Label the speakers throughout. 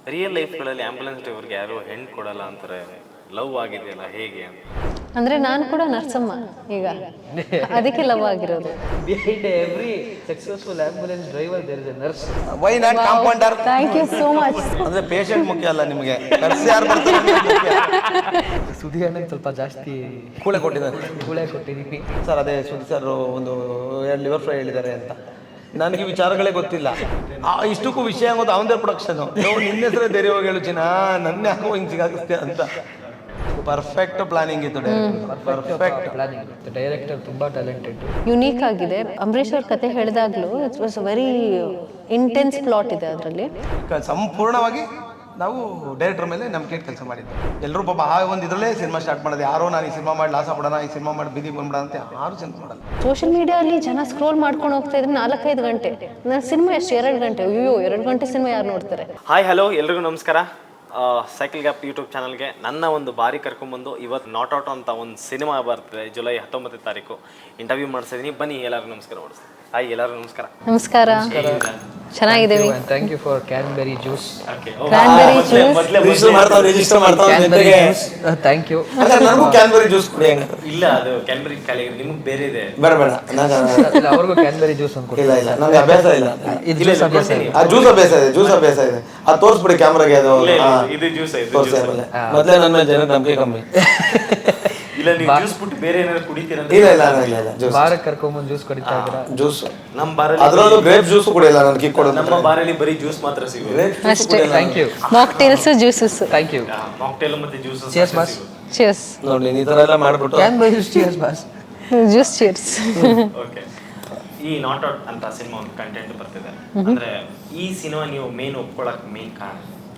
Speaker 1: Real ಲೈಫ್ಗಳಲ್ಲಿ ambulance ಡ್ರೈವರ್ಗೆ ಯಾರು ಹೆಣ್ಣು ಕೊಡಲ್ಲ ಅಂತಾರೆ, ಲವ್ ಆಗಿದೆಯಲ್ಲ ಹೇಗೆ ಅಂತ.
Speaker 2: ಅಂದ್ರೆ ನಾನು ಕೂಡ ನರ್ಸಮ್ಮ ಈಗ, ಅದಕ್ಕೆ ಲವ್ ಆಗಿರೋದು.
Speaker 3: Behind every successful ambulance driver there is a nurse.
Speaker 4: Why not compounder?
Speaker 2: Thank you so much.
Speaker 4: ಅಂದ್ರೆ ಪೇಷಂಟ್ ಮುಖ್ಯ ಅಲ್ಲ ನಿಮಗೆ, ನರ್ಸ್ ಯಾರು ಬರ್ತಾರೆ ಅನ್ನೋದು ಮುಖ್ಯ.
Speaker 3: ಸುದಿ ಅಣ್ಣಗೆ ಸ್ವಲ್ಪ ಜಾಸ್ತಿ
Speaker 4: ಕೂಳೆ ಕೊಟ್ಟಿದ್ದಾರೆ
Speaker 3: ಕೂಳೆ ಕೊಟ್ಟಿದ್ದೀವಿ.
Speaker 4: ಸರ್. ಅದೇ ಸುದ್ದಿ ಸರ್ ಒಂದು 2 ಲಿವರ್ ಫ್ರೈ ಹೇಳಿದ್ದಾರೆ ಅಂತ. ನನಗೆ ವಿಚಾರಗಳೇ ಗೊತ್ತಿಲ್ಲ. ಇಷ್ಟಕ್ಕೂ ವಿಷಯ ಆಗೋದು ಅವನದೇ ಪ್ರೊಡಕ್ಷನು. ನಿನ್ನ ಹೆಸರೇ ಬೇರೆ ಹೋಗಿ ಹೇಳು ಚಿನ್ನ, ನನ್ನ ಯಾಕೋ ಹಿಂಗೆ ಸಿಗಾಕಿಸ್ತೆ ಅಂತ. ಪರ್ಫೆಕ್ಟ್ ಪ್ಲಾನಿಂಗ್ ಇತ್ತು, ಪರ್ಫೆಕ್ಟ್
Speaker 3: ಪ್ಲಾನಿಂಗ್. ಡೈರೆಕ್ಟರ್ ತುಂಬಾ ಟ್ಯಾಲೆಂಟೆಡ್,
Speaker 2: ಯುನೀಕ್ ಆಗಿದೆ. ಅಂಬರೀಷ್ ಅವ್ರ ಕತೆ ಹೇಳಿದಾಗ್ಲೂ it was very intense plot ಇದೆ ಅದರಲ್ಲಿ.
Speaker 4: ಸಂಪೂರ್ಣವಾಗಿ ನಾವು ಡೈರೆಕ್ಟರ್ ಮೇಲೆ ನಂಬಿಕೆ ಕೆಲಸ ಮಾಡಿದ್ವಿ. ಎಲ್ಲರೂ ಪಾಪ ಒಂದು ಇದರಲ್ಲೇ ಸಿನಿಮಾ ಸ್ಟಾರ್ಟ್ ಮಾಡೋದು. ಯಾರೋ ನಾನು ಈ ಸಿನಿಮಾ ಮಾಡಿ ಲಾಸ ಬಿಡೋಣ, ಈ ಸಿನಿಮಾ ಮಾಡಿ ಬೀದಿಗೆ ಬಂದ್ಬಿಡ ಅಂತ ಯಾರು ಸಿನಿಮಾ ಮಾಡಲ್ಲ.
Speaker 2: ಸೋಷಿಯಲ್ ಮೀಡಿಯಾದಲ್ಲಿ ಜನ ಸ್ಕ್ರೋಲ್ ಮಾಡ್ಕೊಂಡು ಹೋಗ್ತಾ ಇದ್ರೆ 4-5 ಗಂಟೆ. ನನ್ನ ಸಿನಿಮಾ ಎಷ್ಟು 2 ಗಂಟೆ? ಅಯ್ಯೋ 2 ಗಂಟೆ ಸಿನಿಮಾ ಯಾರು ನೋಡ್ತಾರೆ?
Speaker 1: ಹಾಯ್ ಹಲೋ ಎಲ್ರಿಗೂ ನಮಸ್ಕಾರ. ಸೈಕಲ್ ಗ್ಯಾಪ್ ಯೂಟ್ಯೂಬ್ ಚಾನಲ್ಗೆ ನನ್ನ ಒಂದು ಬಾರಿ ಕರ್ಕೊಂಬಂದು ಇವತ್ತು ನಾಟ್ ಔಟ್ ಅಂತ ಒಂದು ಸಿನಿಮಾ ಬರ್ತಿದೆ, ಜುಲೈ 19ನೇ ತಾರೀಕು. ಇಂಟರ್ವ್ಯೂ ಮಾಡಿಸಿದ್ದೀನಿ, ಬನ್ನಿ ಎಲ್ಲರಿಗೂ ನಮಸ್ಕಾರ ಮಾಡಿಸ್ತೀನಿ. ಹಾಯ್ ಎಲ್ಲರಿಗೂ ನಮಸ್ಕಾರ.
Speaker 2: ನಮಸ್ಕಾರ, ಚೆನ್ನಾಗಿದ್ದೀವಿ.
Speaker 3: Thank you for cranberry juice.
Speaker 2: Cranberry juice
Speaker 4: register ಮಾಡ್ತಾವೆ.
Speaker 3: Thank you.
Speaker 4: ನನಗೂ ಕ್ಯಾನ್ಬೆರಿ ಜ್ಯೂಸ್ ಕುಡಿ.
Speaker 1: ಇಲ್ಲ, ಅದು ಕ್ಯಾನ್ಬೆರಿ ಖಾಲಿ, ನಿಮ್ಗೆ ಬೇರೆ ಇದೆ.
Speaker 4: ಬೇಡ ಬೇಡ,
Speaker 3: ಅವ್ರಿಗೂ ಕ್ಯಾನ್ಬೆರಿ ಜ್ಯೂಸ್ ಅಂತ
Speaker 4: ಇಲ್ಲ ಇಲ್ಲ, ನನಗೆ ಅಭ್ಯಾಸ ಇಲ್ಲ.
Speaker 3: ಜ್ಯೂಸ್ ಅಭ್ಯಾಸ ಇದೆ.
Speaker 4: ಜ್ಯೂಸ್ ಅಭ್ಯಾಸ ಇದೆ, ಜ್ಯೂಸ್ ಅಭ್ಯಾಸ ಇದೆ. ಅದು ತೋರಿಸ್ಬಿಡಿ ಕ್ಯಾಮ್ರಾಗೆ. ಅದು
Speaker 1: ಇದು ಜ್ಯೂಸ್
Speaker 4: ತೋರಿಸಿ. ಮೊದಲೇ ನನ್ನ ಮೇಲೆ ಜನ ನಂಬಿಕೆ ಕಮ್ಮಿ.
Speaker 1: ಇಲ್ಲ, ನೀವು ಜ್ಯೂಸ್ ಬಿಟ್ಟು ಬೇರೆ ಏನಾದ್ರು ಕುಡಿತೀರ?
Speaker 4: ಇಲ್ಲ ಇಲ್ಲ ಇಲ್ಲ ಇಲ್ಲ, ಜ್ಯೂಸ್.
Speaker 3: ಬಾರಕ್ಕೆ ಕರ್ಕೊಂಬಂದು ಜ್ಯೂಸ್ ಕುಡಿತಾ ಇದ್ದೀರಾ?
Speaker 4: ಜ್ಯೂಸ್
Speaker 1: ನಮ್ಮ ಬಾರಲ್ಲಿ,
Speaker 4: ಅದರಲ್ಲೂ ಗ್ರೇಪ್ ಜ್ಯೂಸ್ ಕುಡಿಯಲ್ಲ ನಾನು, ಕಿಕ್ ಕೊಡೋದು.
Speaker 1: ನಮ್ಮ ಬಾರಲ್ಲಿ ಬರೀ ಜ್ಯೂಸ್ ಮಾತ್ರ ಸಿಗುತ್ತೆ.
Speaker 2: ಅಷ್ಟೇ.
Speaker 3: Thank you.
Speaker 2: Mocktails, juices.
Speaker 3: Thank you.
Speaker 1: Mocktail ಮತ್ತೆ ಜ್ಯೂಸ್.
Speaker 3: Cheers boss.
Speaker 2: ಚಿಯರ್ಸ್.
Speaker 4: ನೋಡಿ ಈ ಥರ ಎಲ್ಲ ಮಾಡ್ಬಿಟ್ಟು
Speaker 3: cranberry juice. Cheers boss.
Speaker 2: Juice cheers.
Speaker 1: Okay, ಈ ನಾಟ್ ಔಟ್ ಅಂತ ಸಿನಿಮಾ ಒಂದು ಕಂಟೆಂಟ್ ಬರ್ತಿದೆ. ಅಂದ್ರೆ ಈ ಸಿನಿಮಾ ನೀವು ಮೇನ್ ಒಪ್ಕೊಳ್ಳೋಕೆ ಮೇನ್ ಕಾರಣ?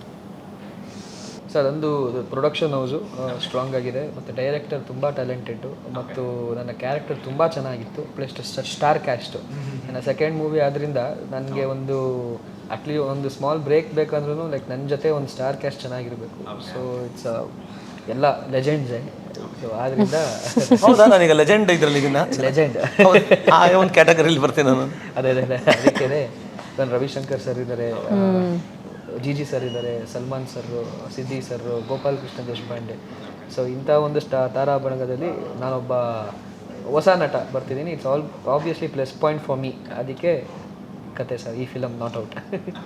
Speaker 3: ಸರ್, ಒಂದು ಪ್ರೊಡಕ್ಷನ್ ಹೌಸು ಸ್ಟ್ರಾಂಗ್ ಆಗಿದೆ, ಮತ್ತು ಡೈರೆಕ್ಟರ್ ತುಂಬ ಟ್ಯಾಲೆಂಟೆಡ್ಡು, ಮತ್ತು ನನ್ನ ಕ್ಯಾರೆಕ್ಟರ್ ತುಂಬ ಚೆನ್ನಾಗಿತ್ತು. Plus star cast. ನನ್ನ ಸೆಕೆಂಡ್ ಮೂವಿ ಆದ್ದರಿಂದ ನನಗೆ ಒಂದು ಸ್ಮಾಲ್ ಬ್ರೇಕ್ ಬೇಕಂದ್ರೂ ಲೈಕ್ ನನ್ನ ಜೊತೆ ಒಂದು ಸ್ಟಾರ್ ಕ್ಯಾಸ್ಟ್ ಚೆನ್ನಾಗಿರಬೇಕು. ಸೊ ಇಟ್ಸ್ ಎಲ್ಲ ಲೆಜೆಂಡ್ಸೇ. ಸೊ ಆದ್ದರಿಂದ
Speaker 4: ಹೌದಾ, ನಾನೀಗ ಲೆಜೆಂಡ್ ಇದ್ರಲ್ಲಿ
Speaker 3: ಲೆಜೆಂಡ್
Speaker 4: ಒಂದು ಕ್ಯಾಟಗರಿಲಿ ಬರ್ತೀನಿ ನಾನು.
Speaker 3: ಅದೇ ಅದಕ್ಕೆ ನಾನು ರವಿಶಂಕರ್ ಸರ್ ಇದ್ದಾರೆ, ಜಿ ಸರ್ ಇದ್ದಾರೆ, Salman sir, Siddi sir, Gopal Krishna Deshpande. So ಇಂಥ ಒಂದು ತಾರಾಬಣಗದಲ್ಲಿ ನಾನೊಬ್ಬ ಹೊಸ ನಟ ಬರ್ತಿದ್ದೀನಿ. It's obviously plus point for me. ಅದಕ್ಕೆ ಕತೆ ಸರ್ ಈ ಫಿಲಮ್ ನಾಟ್ ಔಟ್.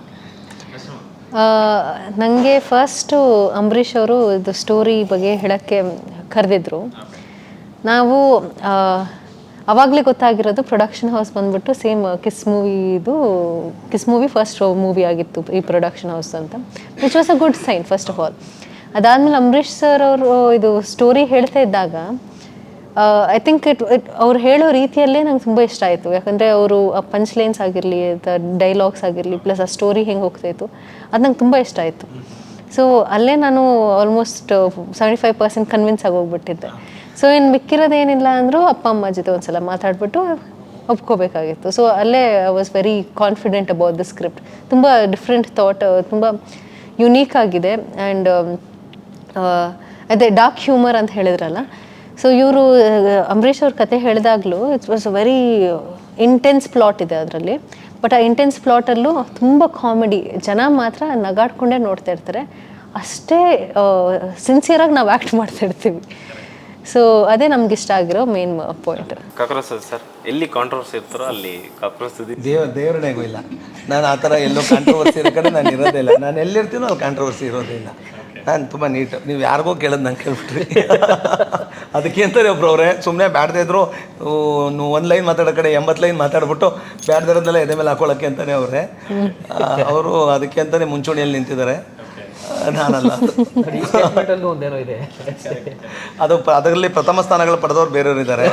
Speaker 2: ನನಗೆ ಫಸ್ಟು ಅಂಬರೀಷ್ ಅವರು ಇದು ಸ್ಟೋರಿ ಬಗ್ಗೆ ಹೇಳೋಕ್ಕೆ ಕರೆದಿದ್ರು. ನಾವು ಅವಾಗಲೇ ಗೊತ್ತಾಗಿರೋದು ಪ್ರೊಡಕ್ಷನ್ ಹೌಸ್ ಬಂದ್ಬಿಟ್ಟು same kiss movie first movie ಆಗಿತ್ತು ಈ ಪ್ರೊಡಕ್ಷನ್ ಹೌಸ್ ಅಂತ, which was a good sign first of all. ಅದಾದಮೇಲೆ ಅಂಬರೀಷ್ ಸರ್ ಅವರು ಇದು ಸ್ಟೋರಿ ಹೇಳ್ತಾ ಇದ್ದಾಗ ಐ ಥಿಂಕ್ ಅವ್ರು ಹೇಳೋ ರೀತಿಯಲ್ಲೇ ನಂಗೆ ತುಂಬ ಇಷ್ಟ ಆಯಿತು. ಯಾಕಂದರೆ ಅವರು ಆ ಪಂಚ್ ಲೈನ್ಸ್ ಆಗಿರಲಿ, ಡೈಲಾಗ್ಸ್ ಆಗಿರಲಿ, ಪ್ಲಸ್ ಆ ಸ್ಟೋರಿ ಹೆಂಗೆ ಹೋಗ್ತಾಯಿತ್ತು, ಅದು ನಂಗೆ ತುಂಬ ಇಷ್ಟ ಆಯಿತು. ಸೊ ಅಲ್ಲೇ ನಾನು ಆಲ್ಮೋಸ್ಟ್ 75% ಕನ್ವಿನ್ಸ್ ಆಗೋಗ್ಬಿಟ್ಟಿದ್ದೆ. ಸೊ ಇನ್ನು ಮಿಕ್ಕಿರೋದೇನಿಲ್ಲ ಅಂದರೂ ಅಪ್ಪ ಅಮ್ಮ ಜೊತೆ ಒಂದ್ಸಲ ಮಾತಾಡ್ಬಿಟ್ಟು ಒಪ್ಕೋಬೇಕಾಗಿತ್ತು. ಸೊ ಅಲ್ಲೇ I was very confident about the script. ತುಂಬ ಡಿಫ್ರೆಂಟ್ ಥಾಟ್, ತುಂಬ ಯುನೀಕ್ ಆಗಿದೆ. ಆ್ಯಂಡ್ ಅದೇ ಡಾರ್ಕ್ ಹ್ಯೂಮರ್ ಅಂತ ಹೇಳಿದ್ರಲ್ಲ, ಸೊ ಇವರು ಅಂಬರೀಷ್ ಅವ್ರ ಕತೆ ಹೇಳಿದಾಗಲೂ it was very intense plot ಇದೆ ಅದರಲ್ಲಿ. ಬಟ್ ಆ ಇಂಟೆನ್ಸ್ ಪ್ಲಾಟಲ್ಲೂ ತುಂಬ ಕಾಮಿಡಿ, ಜನ ಮಾತ್ರ ನಗಾಡ್ಕೊಂಡೇ ನೋಡ್ತಾ ಇರ್ತಾರೆ. ಅಷ್ಟೇ ಸಿನ್ಸಿಯರಾಗಿ ನಾವು ಆ್ಯಕ್ಟ್ ಮಾಡ್ತಾ ಇರ್ತೀವಿ. ಸೊ ಅದೇ ನಮ್ಗೆ ಇಷ್ಟ ಆಗಿರೋ ಮೇನ್ ಪಾಯಿಂಟ್.
Speaker 1: ಕಾಕ್ರೋಚ್ ಸರ್, ಎಲ್ಲಿ ಕಾಂಟ್ರವರ್ಸಿ ಇರ್ತಾರೋ ಅಲ್ಲಿ ಕಾಕ್ರೋಚ್
Speaker 4: ದೇವರನೇಗೂ ಇಲ್ಲ. ನಾನು ಆ ಥರ ಎಲ್ಲೋ ಕಾಂಟ್ರವರ್ಸಿ ಇರೋ ಕಡೆ ನಾನು ಇರೋದೇ ಇಲ್ಲ. ನಾನು ಎಲ್ಲಿರ್ತೀನೋ ಅಲ್ಲಿ ಕಾಂಟ್ರವರ್ಸಿ ಇರೋದೇ ಇಲ್ಲ. ನಾನು ತುಂಬ ನೀಟ್. ನೀವು ಯಾರಿಗೋ ಕೇಳೋದು ನಂಗೆ ಕೇಳ್ಬಿಟ್ರಿ. ಅದಕ್ಕೆ ಅಂತಾರೆ ಒಬ್ರವ್ರೆ, ಸುಮ್ಮನೆ ಬ್ಯಾಡ್ದೇ ಇದ್ರು ಒಂದು ಲೈನ್ ಮಾತಾಡೋ ಕಡೆ 80 ಲೈನ್ ಮಾತಾಡ್ಬಿಟ್ಟು ಬ್ಯಾಡ್ದಿರೋದೆಲ್ಲ ಎದೆ ಮೇಲೆ ಹಾಕೊಳ್ಳೋಕ್ಕೆ ಅಂತಲೇ ಅವರೇ ಅವರು ಅದಕ್ಕೆ ಅಂತಲೇ ಮುಂಚೂಣಿಯಲ್ಲಿ ನಿಂತಿದ್ದಾರೆ. ನಾನಲ್ಲ.
Speaker 3: ಒಂದೇನೋ ಇದೆ,
Speaker 4: ಅದರಲ್ಲಿ ಪ್ರಥಮ ಸ್ಥಾನಗಳು ಪಡೆದವ್ರು ಬೇರೆಯವರು ಇದ್ದಾರೆ.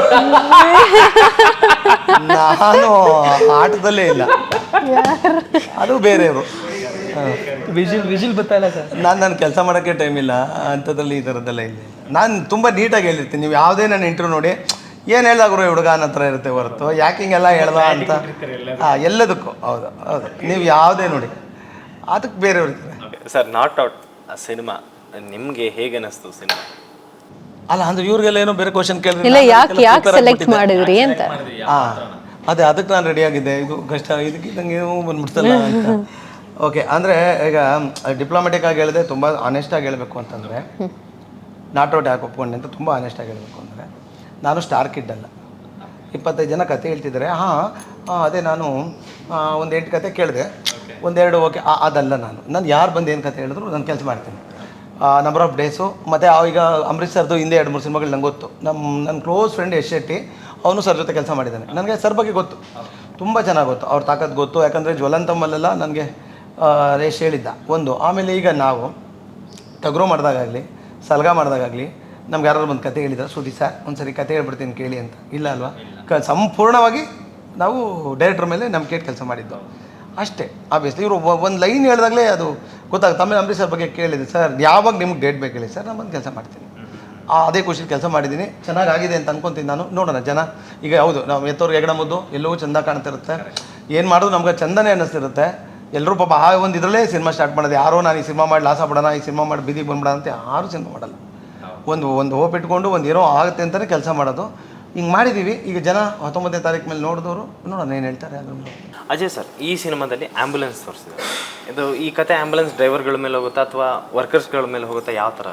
Speaker 4: ನಾನು ಆಟದಲ್ಲೇ ಇಲ್ಲ, ಅದು ಬೇರೆಯವರು.
Speaker 3: ವಿಜಿಲ್ ಗೊತ್ತಾಯಿಲ್ಲ ಸರ್.
Speaker 4: ನಾನು ಕೆಲಸ ಮಾಡೋಕ್ಕೆ ಟೈಮ್ ಇಲ್ಲ ಅಂಥದ್ರಲ್ಲಿ, ಈ ಥರದ್ದೆಲ್ಲ ಇಲ್ಲ. ನಾನು ತುಂಬ ನೀಟಾಗಿ ಹೇಳಿರ್ತೀನಿ. ನೀವು ಯಾವುದೇ ನನ್ನ ಇಂಟರ್ವ್ಯೂ ನೋಡಿ ಏನು ಹೇಳ್ದಾಗ್ರು ಹುಡುಗ ಅನ್ನೋ ಥರ ಇರುತ್ತೆ ಹೊರತು ಯಾಕೆ ಹಿಂಗೆಲ್ಲ ಹೇಳ್ದ ಅಂತ ಎಲ್ಲದಕ್ಕೂ. ಹೌದು ಹೌದು, ನೀವು ಯಾವುದೇ ನೋಡಿ ಅದಕ್ಕೆ ಬೇರೆಯವ್ರು ಇರ್ತಾರೆ.
Speaker 1: ಸರ್, ನಾಟ್ ಔಟ್ ಸಿನಿಮಾ ನಿಮಗೆ ಹೇಗೆ ಅನ್ನಿಸ್ತು ಸಿನಿಮಾ?
Speaker 4: ಅಲ್ಲ ಅಂದ್ರೆ ಇವ್ರಿಗೆಲ್ಲ ಏನೋ ಬೇರೆ ಕ್ವಶನ್ ಕೇಳಿದ್ರೆ
Speaker 2: ಇಲ್ಲ, ಯಾಕೆ ಸೆಲೆಕ್ಟ್ ಮಾಡಿದ್ರಿ ಅಂತ.
Speaker 4: ಅದೇ ಅದಕ್ಕೆ ನಾನು ರೆಡಿ ಆಗಿದ್ದೆ. ಇದು ಕಷ್ಟ, ಇದಕ್ಕಿದ್ದಂಗೆ ಏನೋ ಬಂದ್ಬಿಡ್ತಲ್ಲ ಅಂತ. ಓಕೆ, ಅಂದರೆ ಈಗ ಡಿಪ್ಲೊಮೆಟಿಕ್ ಆಗಿ ಹೇಳಿದೆ, ತುಂಬ ಆನೆಸ್ಟಾಗಿ ಹೇಳಬೇಕು ಅಂತಂದರೆ ನಾಟ್ ಔಟ್ ಯಾಕೆ ಒಪ್ಕೊಂಡೆ ಅಂತ ತುಂಬ ಆನೆಸ್ಟಾಗಿ ಹೇಳಬೇಕು ಅಂದರೆ, ನಾನು ಸ್ಟಾರ್ ಕಿಡ್ ಅಲ್ಲ. 25 ಜನ ಕತೆ ಹೇಳ್ತಿದ್ದಾರೆ, ಅದೇ ನಾನು ಒಂದು 8 ಕತೆ ಕೇಳಿದೆ, ಒಂದೆರಡು ಓಕೆ, ಅದಲ್ಲ. ನಾನು ಯಾರು ಬಂದು ಏನು ಕತೆ ಹೇಳಿದ್ರು ನಾನು ಕೆಲಸ ಮಾಡ್ತೀನಿ. Number of days. ಮತ್ತು ಈಗ ಅಂಬರೀಷ್ ಸರ್ದು ಹಿಂದೆ 2-3 ಸಿನಿಮಾಗಳು ನಂಗೆ ಗೊತ್ತು. ನನ್ನ ಕ್ಲೋಸ್ ಫ್ರೆಂಡ್ ಯಶ್ ಶೆಟ್ಟಿ, ಅವನು ಸರ್ ಜೊತೆ ಕೆಲಸ ಮಾಡಿದ್ದಾನೆ. ನನಗೆ ಸರ್ ಬಗ್ಗೆ ಗೊತ್ತು, ತುಂಬ ಚೆನ್ನಾಗಿ ಗೊತ್ತು, ಅವ್ರ ತಾಕತ್ತು ಗೊತ್ತು. ಯಾಕಂದರೆ ಜ್ವಲಂತಮ್ಮಲ್ಲೆಲ್ಲ ನನಗೆ ರೇಷ್ ಹೇಳಿದ್ದ ಒಂದು. ಆಮೇಲೆ ಈಗ ನಾವು ಟಗ್ರೋ ಮಾಡಿದಾಗಲಿ, ಸಲ್ಗಾ ಮಾಡಿದಾಗಲಿ ನಮ್ಗೆ ಯಾರು ಬಂದು ಕತೆ ಹೇಳಿದ್ದಾರೆ, ಶ್ರುತಿ ಸರ್ ಒಂದು ಸರಿ ಕತೆ ಹೇಳ್ಬಿಡ್ತೀನಿ ಕೇಳಿ ಅಂತ. ಇಲ್ಲ ಅಲ್ವಾ, ಸಂಪೂರ್ಣವಾಗಿ ನಾವು ಡೈರೆಕ್ಟ್ರ್ ಮೇಲೆ ನಂಬಿಕೆ ಇಟ್ಟು ಕೆಲಸ ಮಾಡಿದ್ದು ಅಷ್ಟೇ. ಆಬ್ವಿಯಸ್ಲಿ ಇವರು ಒಂದು ಲೈನ್ ಹೇಳಿದಾಗಲೇ ಅದು ಗೊತ್ತಾಗುತ್ತೆ. ಆಮೇಲೆ ಅಂಬರೀಷ್ ಸರ್ ಬಗ್ಗೆ ಕೇಳಿದೆ, ಸರ್ ಯಾವಾಗ ನಿಮ್ಗೆ ಡೇಟ್ ಬೇಕು ಹೇಳಿ ಸರ್, ನಾನು ಬಂದು ಕೆಲಸ ಮಾಡ್ತೀನಿ. ಅದೇ ಖುಷಿಲಿ ಕೆಲಸ ಮಾಡಿದ್ದೀನಿ, ಚೆನ್ನಾಗಾಗಿದೆ ಅಂತ ಅನ್ಕೊತೀನಿ ನಾನು. ನೋಡೋಣ ಜನ ಈಗ ಹೌದು, ನಾವು ಎತ್ತೋರ್ಗೆ ಹೆಗಣ ಮುದ್ದು ಎಲ್ಲವೂ ಚೆಂದ ಕಾಣ್ತಿರುತ್ತೆ, ಏನು ಮಾಡೋದು ನಮ್ಗೆ ಚಂದನೇ ಅನ್ನಿಸ್ತಿರುತ್ತೆ. ಎಲ್ಲರೂ ಪಾಪ ಒಂದು ಇದರಲ್ಲೇ ಸಿನಿಮಾ ಸ್ಟಾರ್ಟ್ ಮಾಡೋದು. ಯಾರೋ ನಾನು ಈ ಸಿನಿಮಾ ಮಾಡಿ ಲಾಸ ಬಿಡೋಣ, ಈ ಸಿನಿಮಾ ಮಾಡಿ ಬೀದಿಗೆ ಬಂದ್ಬಿಡೋಣ ಅಂತ ಯಾರೂ ಸಿನಿಮಾ ಮಾಡಲ್ಲ. ಒಂದು ಹೋಪ್ ಇಟ್ಕೊಂಡು ಒಂದು ಏನೋ ಆಗುತ್ತೆ ಅಂತಲೇ ಕೆಲಸ ಮಾಡೋದು. ಹಿಂಗೆ ಮಾಡಿದ್ದೀವಿ. ಈಗ ಜನ 19ನೇ ತಾರೀಕು ಮೇಲೆ ನೋಡಿದವರು ನೋಡೋಣ ಏನು ಹೇಳ್ತಾರೆ. ಅದನ್ನು
Speaker 1: ಅಜಯ್ ಸರ್, ಈ ಸಿನಿಮಾದಲ್ಲಿ ಆ್ಯಂಬುಲೆನ್ಸ್ ತೋರಿಸಿದ್ದಾರೆ. ಇದು ಈ ಕತೆ ಆ್ಯಂಬುಲೆನ್ಸ್ ಡ್ರೈವರ್ಗಳ ಮೇಲೆ ಹೋಗುತ್ತಾ ಅಥವಾ ವರ್ಕರ್ಸ್ಗಳ ಮೇಲೆ ಹೋಗುತ್ತಾ, ಯಾವ ಥರ?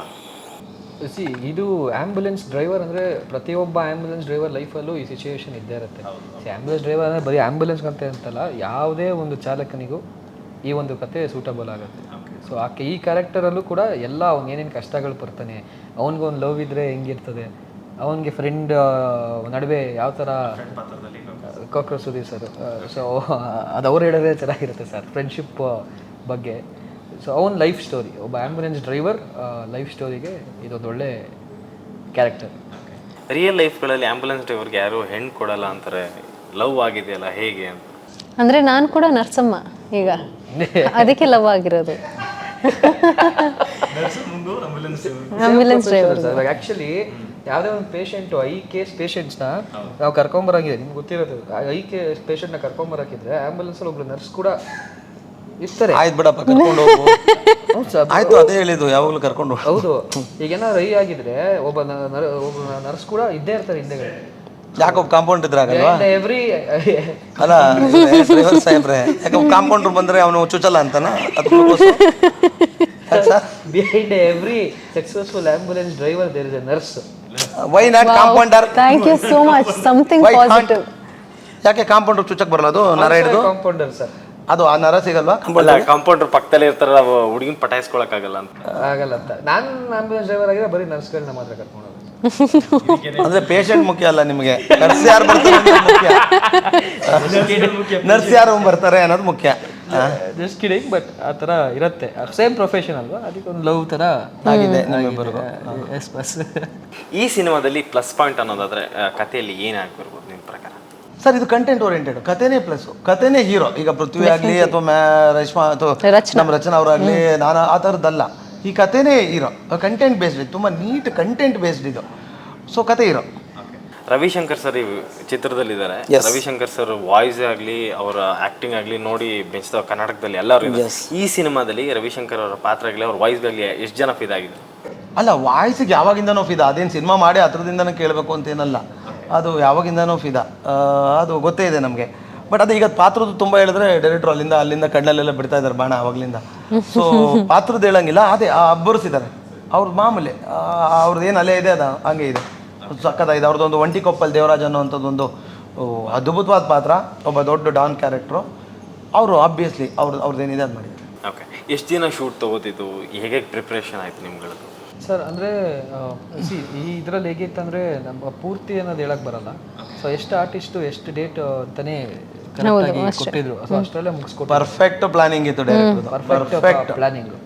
Speaker 3: ಇದು ಆ್ಯಂಬುಲೆನ್ಸ್ ಡ್ರೈವರ್ ಅಂದರೆ ಪ್ರತಿಯೊಬ್ಬ ಆ್ಯಂಬುಲೆನ್ಸ್ ಡ್ರೈವರ್ ಲೈಫಲ್ಲೂ ಈ ಸಿಚುವೇಶನ್ ಇದ್ದೇ ಇರುತ್ತೆ. ಆ್ಯಂಬುಲೆನ್ಸ್ ಡ್ರೈವರ್ ಅಂದರೆ ಬರೀ ಆ್ಯಂಬುಲೆನ್ಸ್ ಅಂತ ಅಂತಲ್ಲ, ಯಾವುದೇ ಒಂದು ಚಾಲಕನಿಗೂ ಈ ಒಂದು ಕತೆ ಸೂಟಬಲ್ ಆಗುತ್ತೆ. ಸೊ ಈ ಕ್ಯಾರೆಕ್ಟರಲ್ಲೂ ಕೂಡ ಎಲ್ಲ ಅವ್ನು ಏನೇನು ಕಷ್ಟಗಳು ಬರ್ತಾನೆ, ಅವ್ನಿಗೊಂದು ಲವ್ ಇದ್ದರೆ ಹೆಂಗಿರ್ತದೆ, ಅವನಿಗೆ ಫ್ರೆಂಡ್ ನಡುವೆ ಯಾವ ಥರ ಕಾಕ್ರೋಚ್ ಸುದೀಪ್ ಸರ್. ಸೊ ಅದು ಅವ್ರು ಹೇಳಿದ್ರೆ ಚೆನ್ನಾಗಿರುತ್ತೆ ಸರ್, ಫ್ರೆಂಡ್ಶಿಪ್ ಬಗ್ಗೆ. ಸೊ ಅವನ ಲೈಫ್ ಸ್ಟೋರಿ, ಒಬ್ಬ ಆ್ಯಂಬುಲೆನ್ಸ್ ಡ್ರೈವರ್ ಲೈಫ್ ಸ್ಟೋರಿಗೆ ಇದೊಂದು ಒಳ್ಳೆ ಕ್ಯಾರೆಕ್ಟರ್.
Speaker 1: ರಿಯಲ್ ಲೈಫ್ಗಳಲ್ಲಿ ಆ್ಯಂಬುಲೆನ್ಸ್ ಡ್ರೈವರ್ಗೆ ಯಾರು ಹೆಣ್ಣು ಕೊಡಲ್ಲ ಅಂತಾರೆ, ಲವ್ ಆಗಿದೆಯಲ್ಲ ಹೇಗೆ ಅಂತ?
Speaker 2: ಅಂದರೆ ನಾನು ಕೂಡ ನರ್ಸಮ್ಮ ಈಗ, ಅದಕ್ಕೆ ಲವ್ ಆಗಿರೋದು. ಆಂಬ್ಯುಲೆನ್ಸ್ ಡ್ರೈವರ್
Speaker 3: ಆ್ಯಕ್ಚುಲಿ ಯಾವುದೇ ಒಂದು ಪೇಷಂಟು ಕೇಸ್ ಪೇಷಂಟ್ಸ್ನ ನಾವು ಕರ್ಕೊಂಬರಂಗಿದೆ, ನಿಮ್ಗೆ ಗೊತ್ತಿರೋದು. ಕೇಸ್ ಪೇಷಂಟ್ನ ಕರ್ಕೊಂಬರಕ್ಕಿದ್ರೆ ಆ್ಯಂಬುಲೆನ್ಸಲ್ಲಿ ಒಬ್ರು ನರ್ಸ್ ಕೂಡ ಇರ್ತಾರೆ.
Speaker 4: ಆಯ್ತು ಬಿಡಪ್ಪ, ಕರ್ಕೊಂಡು ಹೋಗು. ಆಯ್ತು, ಅದೇ ಹೇಳಿದ್ದು, ಯಾವಾಗಲೂ ಕರ್ಕೊಂಡು.
Speaker 3: ಹೌದು, ಈಗೇನಾದ್ರು ಆಗಿದ್ರೆ ಒಬ್ಬ ನರ್ಸ್ ಕೂಡ ಇದ್ದೇ ಇರ್ತಾರೆ ಹಿಂದೆಗಡೆ.
Speaker 4: ಯಾಕೊಬ್ಬ ಕಾಂಪೌಂಡ್ ಇದ್ರಾಗಲ್ವಾ
Speaker 3: ಎವ್ರಿ
Speaker 4: ಅಲ್ಲ ಡ್ರೈವರ್ ಸಾಹೇಬ್ರೆ, ಯಾಕೆ ಕಾಂಪೌಂಡರ್ ಬಂದರೆ ಅವನು ಚುಚ್ಚಲ್ಲ ಅಂತಾನ?
Speaker 3: Behind every successful ambulance driver there is a nurse.
Speaker 4: Why not compounder?
Speaker 2: Thank you so much, something positive.
Speaker 4: ಯಾಕೆ ಕಾಂಪೌಂಡರ್ ಚುಚ್ಚಕ್ ಬರಲ್ಲ? ಅದು ನರ ಹಿಡಿದು
Speaker 3: ಕಾಂಪೌಂಡರ್ ಸರ್,
Speaker 4: ಅದು ಆ ನರ ಸಿಗಲ್ವಾ?
Speaker 1: ಕಾಂಪೌಂಡರ್ ಪಕ್ಕದಲ್ಲೇ ಇರ್ತಾರ, ಹುಡುಗಿನ ಪಟಾಯಿಸ್ಕೊಳಕ್ಕಾಗಲ್ಲ ಅಂತ.
Speaker 3: ಆಗಲ್ಲ ಅಂತ. ನಾನು ಆಂಬ್ಯುಲೆನ್ಸ್ ಡ್ರೈವರ್ ಆಗಿದ್ರೆ ಬರೀ ನರ್ಸ್ಗಳನ್ನ ಮಾತ್ರ ಕರ್ಕೊಂಡು ಹೋಗೋದು.
Speaker 4: ಅಂದ್ರೆ ಪೇಷಂಟ್ ಮುಖ್ಯ ಅಲ್ಲ ನಿಮಗೆ, ನರ್ಸ್ ಯಾರು ಬರ್ತಾರೆ ಮುಖ್ಯ. ನರ್ಸ್ ಯಾರು ಬರ್ತಾರೆ ಅನ್ನೋದು ಮುಖ್ಯ.
Speaker 3: ಜಸ್ಟ್ ಕಿಡಿಂಗ್, ಬಟ್ ಆ ಥರ ಇರುತ್ತೆ. ಸೇಮ್ ಪ್ರೊಫೆಷನ್ ಅಲ್ವಾ, ಅದಕ್ಕೆ ಒಂದು ಲವ್ ಥರ
Speaker 4: ಆಗಿದೆ.
Speaker 3: Yes boss.
Speaker 1: ಈ ಸಿನಿಮಾದಲ್ಲಿ ಪ್ಲಸ್ ಪಾಯಿಂಟ್ ಅನ್ನೋದಾದ್ರೆ ಕಥೆಯಲ್ಲಿ ಏನಾಗ್ಬಿರ್ಬೋದು ನಿಮ್ಮ ಪ್ರಕಾರ?
Speaker 4: ಸರ್, ಇದು ಕಂಟೆಂಟ್ ಓರಿಯೆಂಟೆಡ್. ಕಥೆನೇ ಪ್ಲಸ್, ಕಥೆನೇ ಹೀರೋ. ಈಗ ಪೃಥ್ವಿ ಆಗಲಿ ಅಥವಾ ರೇಷ್ಮಾ ಅಥವಾ ನಮ್ಮ ರಚನಾ ಅವರಾಗಲಿ, ನಾನು ಆ ಥರದ್ದಲ್ಲ. ಈ ಕಥೆನೇ ಹೀರೋ, ಕಂಟೆಂಟ್ ಬೇಸ್ಡ್, ತುಂಬ ನೀಟ್ ಕಂಟೆಂಟ್ ಬೇಸ್ಡ್ ಇದು. ಸೊ ಕತೆ ಹೀರೋ.
Speaker 1: ರವಿಶಂಕರ್ ಸರ್ ಈ ಚಿತ್ರದಲ್ಲಿದ್ದಾರೆ. ರವಿಶಂಕರ್ ಸರ್ ವಾಯ್ಸ್ ಆಗಲಿ ಅವರ ಆ್ಯಕ್ಟಿಂಗ್ ಆಗಲಿ ನೋಡಿ ಬೆಂಚ್ತಾವ ಕರ್ನಾಟಕದಲ್ಲಿ ಎಲ್ಲರೂ ಇದ್ದಾರೆ. ಈ ಸಿನಿಮಾದಲ್ಲಿ ರವಿಶಂಕರ್ ಅವರ ಪಾತ್ರ ಆಗಲಿ ಅವ್ರ ವಾಯ್ಸ್ಗಾಗಲಿ ಎಷ್ಟು ಜನ ಫಿದಾಗಿದೆ?
Speaker 4: ಅಲ್ಲ, ವಾಯ್ಸಿಗೆ ಯಾವಾಗಿಂದನೋ ಫಿದಾ. ಅದೇನು ಸಿನಿಮಾ ಮಾಡಿ ಹತ್ರದಿಂದನೂ ಕೇಳಬೇಕು ಅಂತೇನಲ್ಲ, ಅದು ಯಾವಾಗಿಂದನೂ ಫಿದಾ. ಅದು ಗೊತ್ತೇ ಇದೆ ನಮಗೆ. ಬಟ್ ಅದು ಈಗ ಪಾತ್ರದ್ದು ತುಂಬ ಹೇಳಿದ್ರೆ ಡೈರೆಕ್ಟ್ರು ಅಲ್ಲಿಂದ ಕಣ್ಣಲ್ಲೆಲ್ಲ ಬಿಡ್ತಾ ಇದ್ದಾರೆ ಬಾಣ ಆವಾಗಲಿಂದ. ಸೊ ಪಾತ್ರದ್ದು ಹೇಳಂಗಿಲ್ಲ, ಅದೇ ಅಬ್ಬರಿಸಿದ್ದಾರೆ. ಅವ್ರದ್ದು ಮಾಮೂಲಿ, ಅವ್ರದ್ದು ಏನು ಅಲೆ ಇದೆ ಅದು ಹಂಗೆ ಇದೆ, ಸಕ್ಕತ್ತಾಗಿದೆ. ಅವ್ರದ್ದೊಂದು ಒಂಟಿಕೊಪ್ಪಲ್ ದೇವರಾಜ್ ಅನ್ನೋವಂಥದ್ದೊಂದು ಅದ್ಭುತವಾದ ಪಾತ್ರ, ಒಬ್ಬ ದೊಡ್ಡ ಡಾನ್ ಕ್ಯಾರೆಕ್ಟ್ರು. ಅವರು ಆಬ್ವಿಯಸ್ಲಿ ಅವ್ರದ್ದೇನಿದೆ ಅದು ಮಾಡಿದ್ದಾರೆ.
Speaker 1: ಓಕೆ, ಎಷ್ಟು ದಿನ ಶೂಟ್ ತೊಗೋತಿದ್ದು, ಹೇಗೆ ಪ್ರಿಪ್ರೇಷನ್ ಆಯಿತು ನಿಮ್ಗಳದ್ದು?
Speaker 3: ಸರ್ ಅಂದರೆ ಈ ಇದರಲ್ಲಿ ಹೇಗಿತ್ತು ಅಂದರೆ ನಮ್ಮ ಪೂರ್ತಿ ಅನ್ನೋದು ಹೇಳಕ್ಕೆ ಬರಲ್ಲ. ಸೊ ಎಷ್ಟು ಆರ್ಟಿಸ್ಟು ಎಷ್ಟು ಡೇಟ್ ಅಂತಲೇ ಕರೆಕ್ಟಾಗಿ ಕೊಟ್ಟಿದ್ರು. ಸೊ ಅಷ್ಟರಲ್ಲೇ ಮುಗಿಸ್ಕೊಟ್ಟು
Speaker 4: ಪರ್ಫೆಕ್ಟ್ ಪ್ಲಾನಿಂಗ್ ಇತ್ತು ಡೈರೆಕ್ಟರ್,
Speaker 3: ಪರ್ಫೆಕ್ಟ್ ಪ್ಲಾನಿಂಗು.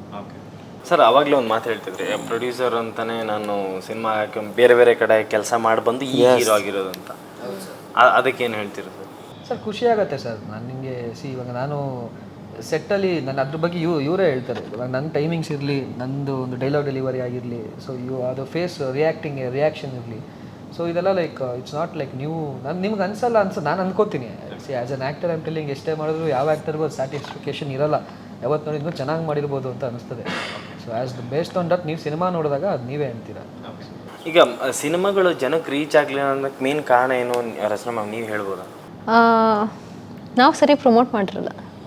Speaker 1: ಸರ್, ಆವಾಗಲೇ ಒಂದು ಮಾತು ಹೇಳ್ತಿದ್ರಿ, ಪ್ರೊಡ್ಯೂಸರ್ ಅಂತಾನೆ ನಾನು ಸಿನಿಮಾ ಬೇರೆ ಬೇರೆ ಕಡೆ ಕೆಲಸ ಮಾಡಿ ಬಂದು ಈ ಹೀರೋ ಆಗಿರೋದು ಅಂತ. ಅದಕ್ಕೇನು ಹೇಳ್ತೀರ ಸರ್?
Speaker 3: ಸರ್ ಖುಷಿ ಆಗುತ್ತೆ ಸರ್. ನಾನು ನಿಮಗೆ ಇವಾಗ ನಾನು ಸೆಟ್ಟಲ್ಲಿ ನಾನು ಅದ್ರ ಬಗ್ಗೆ ಇವರೇ ಹೇಳ್ತಾರೆ. ಇವಾಗ ನನ್ನ ಟೈಮಿಂಗ್ಸ್ ಇರಲಿ, ನಂದು ಒಂದು ಡೈಲಾಗ್ ಡೆಲಿವರಿ ಆಗಿರಲಿ, ಸೊ ಅದು ಫೇಸ್ ರಿಯಾಕ್ಷನ್ ಇರಲಿ, ಸೊ ಇದೆಲ್ಲ ಲೈಕ್ ಇಟ್ಸ್ ನಾಟ್ ಲೈಕ್ ನೀವು ನಿಮ್ಗೆ ಅನ್ಸಲ್ಲ ನಾನು ಅನ್ಕೋತೀನಿ. As an actor I'm telling, ಎಷ್ಟೇ ಮಾಡಿದ್ರು ಯಾವ ಆ್ಯಕ್ಟರ್ಗೂ ಸ್ಯಾಟಿಸ್ಫಿಕೇಷನ್ ಇರಲ್ಲ. ಯಾವತ್ತು ನೋಡಿ ಇನ್ನೂ ಚೆನ್ನಾಗಿ ಮಾಡಿರ್ಬೋದು ಅಂತ ಅನಿಸ್ತದೆ. So as the based on that ನೀವು ಸಿನಿಮಾ ನೋಡಿದಾಗ ಅದು ನೀವೇ ಅಂತೀರಾ.
Speaker 1: ಈಗ ಸಿನಿಮಾಗಳು ಜನಕ್ಕೆ ರೀಚ್ ಆಗಲಿಲ್ಲ ಅನ್ನೋಕ್ಕೆ ಮೇನ್ ಕಾರಣ ಏನು ರಚನಾ ಮ್ಯಾಮ್, ನೀವು ಹೇಳ್ಬೋದಾ?
Speaker 2: ನಾವು ಸರಿ ಪ್ರಮೋಟ್ ಮಾಡಿರಲ್ಲ.